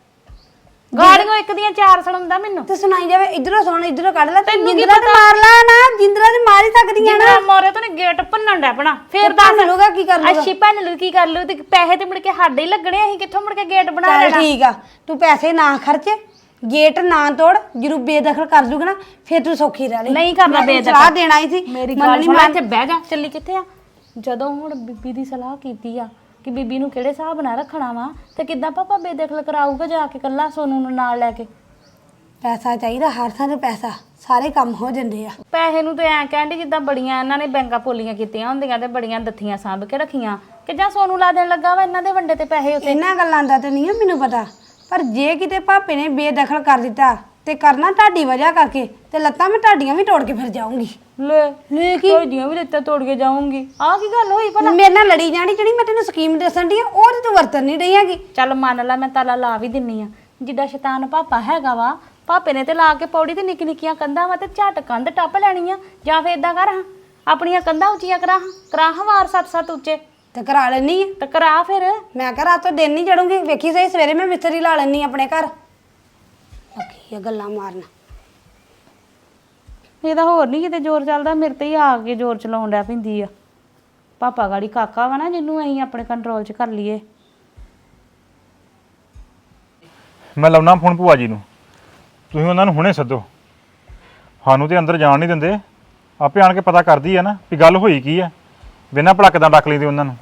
ਗਾੜੀਆਂ ਇੱਕ ਦੀਆਂ ਚਾਰ ਸੁਣਾਉਂਦਾ ਮੈਨੂੰ
ਤੇ ਸੁਣਾਈ ਜਾਵੇ, ਇਧਰੋਂ ਸੁਣ ਇਧਰੋਂ ਕੱਢ ਲੈ।
ਤੈਨੂੰ ਕੀ
ਜਿੰਦਰਾ ਤੇ
ਪਤਾ?
ਮਾਰ ਲਾ ਨਾ, ਜਿੰਦਰਾ ਤੇ ਮਾਰ ਹੀ ਸਕਦੀਆਂ ਨਾ।
ਜਿੰਨਾ ਮੋਰੇ ਤੋਂ ਨੇ ਗੇਟ ਭੰਨਣ ਡੈ ਪਣਾ। ਫੇਰ
ਤੇ ਭੰਨ ਲੂਗਾ, ਕੀ ਕਰ ਲੂਗਾ?
ਅੱਛੀ ਭੰਨ ਲੂ, ਕੀ ਕਰ ਲੂ? ਤੇ ਪੈਸੇ ਤੇ ਮੁੜ ਕੇ ਸਾਡੇ ਹੀ ਲੱਗਣੇ। ਅਸੀਂ ਕਿੱਥੋਂ ਮੁੜ ਕੇ ਗੇਟ ਬਣਾ
ਚੱਲ
ਲੈਣਾ?
ਠੀਕ ਆ, ਤੂੰ ਪੈਸੇ ਨਾ ਖਰਚ, ਗੇਟ ਨਾ ਤੋੜ। ਜਦੋਂ ਬੇਦਖਲ ਕਰ ਦੂਗਾ ਨਾ ਫਿਰ ਤੂੰ ਸੌਖੀ ਰਹਿ ਲਈ।
ਨਹੀਂ ਕਰਨਾ
ਮੈਂ ਤੈਨੂੰ
ਬੇਦਖਲ।
ਸਲਾਹ ਦੇਣਾ ਹੀ ਸੀ।
ਮੇਰੀ
ਮੰਨਣੀ
ਗੱਲ ਸੁਣ,
ਮੈਂ-
ਇੱਥੇ ਬਹਿ ਜਾ। ਚੱਲੀ ਕਿੱਥੇ ਆ? ਜਦੋਂ ਹੁਣ ਬੀਬੀ ਦੀ ਸਲਾਹ ਕੀਤੀ ਆ ਕਿ ਬੀਬੀ ਨੂੰ ਕਿਹੜੇ ਹਿਸਾਬ ਨਾਲ ਰੱਖਣਾ ਵਾ, ਤੇ ਕਿੱਦਾਂ ਪਾਪਾ ਬੇਦਖਲ ਕਰਾਊਗਾ ਜਾ ਕੇ ਕੱਲਾ ਸੋਨੂੰ ਨੂੰ ਨਾਲ ਲੈ ਕੇ?
ਪੈਸਾ ਚਾਹੀਦਾ, ਹਰ ਥਾਂ ਤੇ ਪੈਸਾ, ਸਾਰੇ ਕੰਮ ਹੋ ਜਾਂਦੇ ਆ।
ਪੈਸੇ ਨੂੰ ਤੇ ਐਂ ਕਹਿੰਦੀ ਜਿੱਦਾਂ ਬੜੀਆਂ ਇਹਨਾਂ ਨੇ ਬੈਂਕਾਂ ਪੋਲੀਆਂ ਕੀਤੀਆਂ ਹੁੰਦੀਆਂ ਤੇ ਬੜੀਆਂ ਦੱਥੀਆਂ ਸਾਂਭ ਕੇ ਰੱਖੀਆਂ, ਕਿ ਜਾਂ ਸੋਨੂੰ ਲਾ ਦੇਣ ਲੱਗਾ ਵਾ ਇਹਨਾਂ ਦੇ ਵੰਡੇ ਤੇ ਪੈਸੇ ਉੱਤੇ।
ਇਹਨਾਂ ਗੱਲਾਂ ਦਾ ਤੇ ਨਹੀਂ ਆ ਮੈਨੂੰ ਪਤਾ, ਪਰ ਜੇ ਕਿਤੇ ਭਾਪੇ ਨੇ ਬੇਦਖਲ ਕਰ ਦਿੱਤਾ ਤੇ ਕਰਨਾ ਤੁਹਾਡੀ ਵਜ੍ਹਾ ਕਰਕੇ, ਤੇ ਲੱਤਾਂ ਮੈਂ ਤੁਹਾਡੀਆਂ ਵੀ ਤੋੜ ਕੇ ਫਿਰ ਜਾਊਂਗੀ।
ਲੈ
ਲੈ ਕੀ
ਤੁਹਾਡੀਆਂ ਵੀ ਲੱਤਾਂ ਤੋੜ ਕੇ ਜਾਊਂਗੀ। ਆਹ ਕੀ ਗੱਲ ਹੋਈ ਭਲਾ?
ਮੇਰੇ ਨਾਲ ਲੜੀ ਜਾਣੀ, ਜਿਹੜੀ ਮੈਂ ਤੈਨੂੰ ਸਕੀਮ ਦੱਸਣ ਦੀ ਆ ਉਹ ਤੇ ਤੂੰ ਵਰਤਣ ਨਹੀਂ ਰਹੀ ਹੈਗੀ।
ਚੱਲ ਮੰਨ ਲਾ ਮੈਂ ਤਾਲਾ ਲਾ ਵੀ ਦਿੰਨੀ ਆ। ਜਿੱਡਾ ਸ਼ੈਤਾਨ ਪਾਪਾ ਹੈਗਾ ਵਾ, ਪਾਪੇ ਨੇ ਤੇ ਲਾ ਕੇ ਪੌੜੀ ਤੇ ਨਿੱਕੀ ਨਿੱਕੀਆਂ ਕੰਧਾਂ ਵਾ ਤੇ ਝਟ ਕੰਧ ਟੱਪ ਲੈਣੀ ਆ। ਜਾਂ ਫੇਰ ਇਦਾਂ ਕਰ ਹਾਂ, ਆਪਣੀਆਂ ਕੰਧਾਂ ਉੱਚੀਆਂ ਕਰਾ ਹਾਂ, ਕਰਾ ਹਾਂ ਵਾਰ ਸੱਤ ਸੱਤ ਉੱਚੇ
ਤੇ ਕਰਾ ਲੈਣੀ ਆ।
ਤੇ ਕਰਾ ਫਿਰ।
ਮੈਂ ਕਿਹਾ ਰਾਤੋਂ ਦਿਨ ਨਹੀਂ ਚੜੂੰਗੀ, ਵੇਖੀ ਸਹੀ ਸਵੇਰੇ ਮੈਂ ਮਿਸਤਰੀ ਲਾ ਲੈਣੀ ਆਪਣੇ ਘਰ। ਬਾਕੀ ਇਹ ਗੱਲਾਂ ਮਾਰਨ
ਇਹਦਾ ਹੋਰ ਨਹੀਂ ਕਿਤੇ ਜ਼ੋਰ ਚੱਲਦਾ, ਮੇਰੇ ਤੇ ਹੀ ਆ ਕੇ ਜ਼ੋਰ ਚਲਾਉਣ ਡਿਆ ਪੈਂਦੀ ਆ। ਪਾਪਾ ਗਾੜੀ ਕਾਕਾ ਵਾ ਨਾ, ਜਿਹਨੂੰ ਅਸੀਂ ਆਪਣੇ ਕੰਟਰੋਲ 'ਚ ਕਰ ਲਈਏ।
ਮੈਂ ਲਾਉਣਾ ਫੋਨ ਭੂਆ ਜੀ ਨੂੰ, ਤੁਸੀਂ ਉਹਨਾਂ ਨੂੰ ਹੁਣੇ ਸੱਦੋ। ਸਾਨੂੰ ਤੇ ਅੰਦਰ ਜਾਣ ਨਹੀਂ ਦਿੰਦੇ, ਆਪੇ ਆਣ ਕੇ ਪਤਾ ਕਰਦੀ ਆ ਨਾ ਵੀ ਗੱਲ ਹੋਈ ਕੀ ਆ, ਬਿਨਾਂ ਭਲਾ ਕਿੱਦਾਂ ਡੱਕ ਲੈਂਦੇ ਉਹਨਾਂ ਨੂੰ।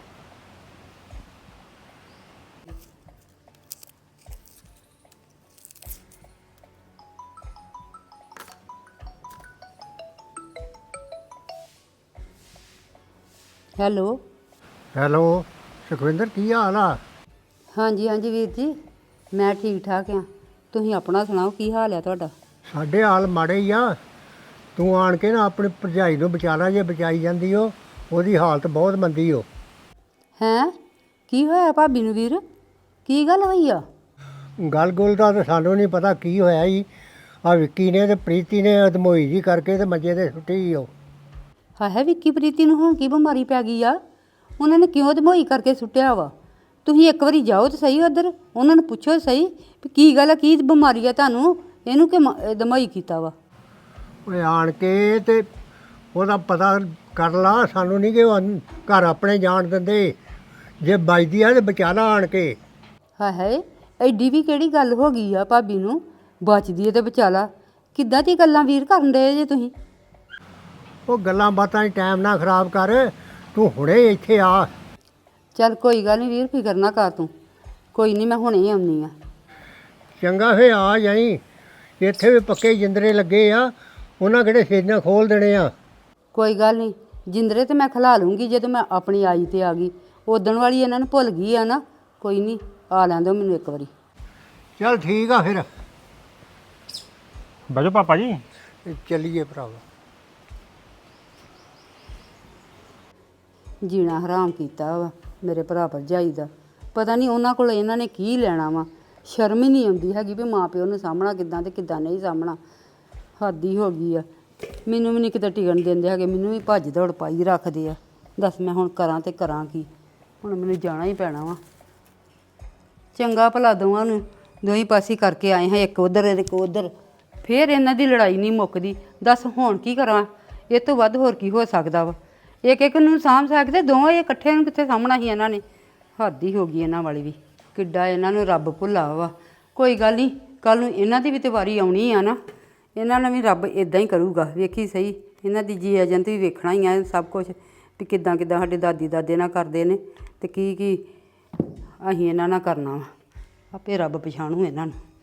ਹੈਲੋ।
ਹੈਲੋ ਸੁਖਵਿੰਦਰ, ਕੀ ਹਾਲ ਆ?
ਹਾਂਜੀ ਹਾਂਜੀ ਵੀਰ ਜੀ, ਮੈਂ ਠੀਕ ਠਾਕ ਆ। ਤੁਸੀਂ ਆਪਣਾ ਸੁਣਾਓ, ਕੀ ਹਾਲ ਆ ਤੁਹਾਡਾ?
ਸਾਡੇ ਹਾਲ ਮਾੜੇ ਹੀ ਆ। ਤੂੰ ਆਣ ਕੇ ਨਾ ਆਪਣੀ ਭਰਜਾਈ ਨੂੰ ਬਚਾ ਲਾ, ਜੇ ਬਚਾਈ ਜਾਂਦੀ ਉਹ ਉਹਦੀ ਹਾਲਤ ਬਹੁਤ ਮੰਦੀ ਓ।
ਹੈਂ, ਕੀ ਹੋਇਆ ਭਾਬੀ ਨੂੰ ਵੀਰ? ਕੀ ਗੱਲ ਹੋਈ ਆ?
ਗੱਲ ਗੁੱਲ ਦਾ ਤਾਂ ਸਾਨੂੰ ਨਹੀਂ ਪਤਾ ਕੀ ਹੋਇਆ ਜੀ। ਆ ਵਿੱਕੀ ਨੇ ਤੇ ਪ੍ਰੀਤੀ ਨੇ ਅਧਮੋਈ ਜੀ ਕਰਕੇ ਤੇ ਮੰਜੇ ਤੇ ਸੁੱਟੀ ਉਹ।
ਹਾਏ ਵਿੱਕੀ ਪ੍ਰੀਤੀ ਨੂੰ ਹੁਣ ਕੀ ਬਿਮਾਰੀ ਪੈ ਗਈ ਆ? ਉਹਨਾਂ ਨੇ ਕਿਉਂ ਧਮੋਈ ਕਰਕੇ ਸੁੱਟਿਆ ਵਾ? ਤੁਸੀਂ ਇੱਕ ਵਾਰੀ ਜਾਓ ਤੇ ਸਹੀ ਉੱਧਰ, ਉਹਨਾਂ ਨੂੰ ਪੁੱਛੋ ਸਹੀ ਵੀ ਕੀ ਗੱਲ ਆ, ਕੀ ਬਿਮਾਰੀ ਆ ਤੁਹਾਨੂੰ, ਇਹਨੂੰ ਕਿ ਧਮੋਈ ਕੀਤਾ ਵਾ?
ਓਏ ਆਣ ਕੇ ਤੇ ਉਹਦਾ ਪਤਾ ਕਰ ਲਾ, ਸਾਨੂੰ ਨਹੀਂ ਕਿ ਉਹ ਘਰ ਆਪਣੇ ਜਾਣ ਦਿੰਦੇ। ਜੇ ਵੱਜਦੀ ਆ ਤੇ ਬਚਾ ਲਾ ਆਣ ਕੇ।
ਹਾਏ ਹਾਏ, ਐਡੀ ਵੀ ਕਿਹੜੀ ਗੱਲ ਹੋ ਗਈ ਆ ਭਾਬੀ ਨੂੰ? ਬਚਦੀ ਹੈ ਤੇ ਬਚਾ ਲਾ। ਕਿੱਦਾਂ ਦੀ ਗੱਲਾਂ ਵੀਰ ਕਰਨ ਡਏ ਜੇ ਤੁਸੀਂ?
ਉਹ ਗੱਲਾਂ ਬਾਤਾਂ 'ਚ ਟਾਈਮ ਨਾ ਖਰਾਬ ਕਰ, ਤੂੰ ਹੁਣੇ ਇੱਥੇ ਆ।
ਚੱਲ ਕੋਈ ਗੱਲ ਨਹੀਂ ਵੀਰ, ਫਿਕਰ ਨਾ ਕਰ ਤੂੰ। ਕੋਈ ਨਹੀਂ, ਮੈਂ ਹੁਣੇ ਆਉਣੀ ਆ।
ਚੰਗਾ ਫੇ ਆ ਜਾਈ। ਇੱਥੇ ਵੀ ਪੱਕੇ ਜਿੰਦਰੇ ਲੱਗੇ ਆ, ਉਹਨਾਂ ਕਿਹੜੇ ਸੇਜਾਂ ਖੋਲ ਦੇਣੇ ਆ।
ਕੋਈ ਗੱਲ ਨਹੀਂ, ਜਿੰਦਰੇ ਤੇ ਮੈਂ ਖਿਲਾ ਲੂੰਗੀ ਜਦੋਂ ਮੈਂ ਆਪਣੀ ਆਈ ਤੇ ਆ ਗਈ। ਉਦਣ ਵਾਲੀ ਇਹਨਾਂ ਨੂੰ ਭੁੱਲ ਗਈ ਆ ਨਾ। ਕੋਈ ਨਹੀਂ, ਆ ਲੈਣ ਦਿਓ ਮੈਨੂੰ ਇੱਕ ਵਾਰੀ।
ਚੱਲ ਠੀਕ ਆ ਫਿਰ,
ਬਹਿ ਜਾਓ ਪਾਪਾ ਜੀ।
ਚੱਲੀਏ ਭਰਾਵਾ।
ਜੀਣਾ ਹਰਾਮ ਕੀਤਾ ਵਾ ਮੇਰੇ ਭਰਾ ਭਰਜਾਈ ਦਾ। ਪਤਾ ਨਹੀਂ ਉਹਨਾਂ ਕੋਲ ਇਹਨਾਂ ਨੇ ਕੀ ਲੈਣਾ ਵਾ। ਸ਼ਰਮ ਹੀ ਨਹੀਂ ਆਉਂਦੀ ਹੈਗੀ ਵੀ ਮਾਂ ਪਿਓ ਨੂੰ ਸਾਹਮਣਾ ਕਿੱਦਾਂ ਤੇ ਕਿੱਦਾਂ ਨਹੀਂ ਸਾਹਮਣਾ। ਹੱਦ ਹੀ ਹੋ ਗਈ ਆ। ਮੈਨੂੰ ਵੀ ਨਹੀਂ ਕਿਤੇ ਟਿਕਣ ਦਿੰਦੇ ਹੈਗੇ, ਮੈਨੂੰ ਵੀ ਭੱਜ ਦੌੜ ਪਾਈ ਰੱਖਦੇ ਆ। ਦੱਸ ਮੈਂ ਹੁਣ ਕਰਾਂ ਤੇ ਕਰਾਂ ਕੀ? ਹੁਣ ਮੈਨੂੰ ਜਾਣਾ ਹੀ ਪੈਣਾ ਵਾ। ਚੰਗਾ ਭਲਾ ਦੋਵਾਂ ਨੂੰ ਦੋਹੀਂ ਪਾਸੇ ਕਰਕੇ ਆਏ ਹਾਂ, ਇੱਕ ਉੱਧਰ ਇੱਕ ਉੱਧਰ। ਫਿਰ ਇਹਨਾਂ ਦੀ ਲੜਾਈ ਨਹੀਂ ਮੁੱਕਦੀ। ਦੱਸ ਹੁਣ ਕੀ ਕਰਾਂ? ਇਹ ਤੋਂ ਵੱਧ ਹੋਰ ਕੀ ਹੋ ਸਕਦਾ ਵਾ? ਇੱਕ ਇੱਕ ਨੂੰ ਸਾਂਭ ਸਕਦੇ, ਦੋਵੇਂ ਇਹ ਇਕੱਠੇ ਨੂੰ ਕਿੱਥੇ ਸਾਂਭਣਾ ਸੀ ਇਹਨਾਂ ਨੇ? ਹੱਦ ਹੀ ਹੋ ਗਈ ਇਹਨਾਂ ਵਾਲੀ ਵੀ। ਕਿੱਡਾ ਇਹਨਾਂ ਨੂੰ ਰੱਬ ਭੁੱਲਾ ਵਾ। ਕੋਈ ਗੱਲ ਨਹੀਂ, ਕੱਲ ਨੂੰ ਇਹਨਾਂ ਦੀ ਵੀ ਤੇ ਵਾਰੀ ਆਉਣੀ ਆ ਨਾ। ਇਹਨਾਂ ਨੂੰ ਵੀ ਰੱਬ ਇਦਾਂ ਹੀ ਕਰੂਗਾ, ਵੇਖੀ ਸਹੀ। ਇਹਨਾਂ ਦੀ ਜੀ ਏਜੰਟ ਵੀ ਵੇਖਣਾ ਹੀ ਆ ਸਭ ਕੁਛ, ਵੀ ਕਿੱਦਾਂ ਕਿੱਦਾਂ ਸਾਡੇ ਦਾਦੀ ਦਾਦੇ ਨਾਲ ਕਰਦੇ ਨੇ ਤੇ ਕੀ ਕੀ ਅਸੀਂ ਇਹਨਾਂ ਨਾਲ ਕਰਨਾ ਵਾ। ਆਪੇ ਰੱਬ ਪਛਾਣੂ ਇਹਨਾਂ ਨੂੰ।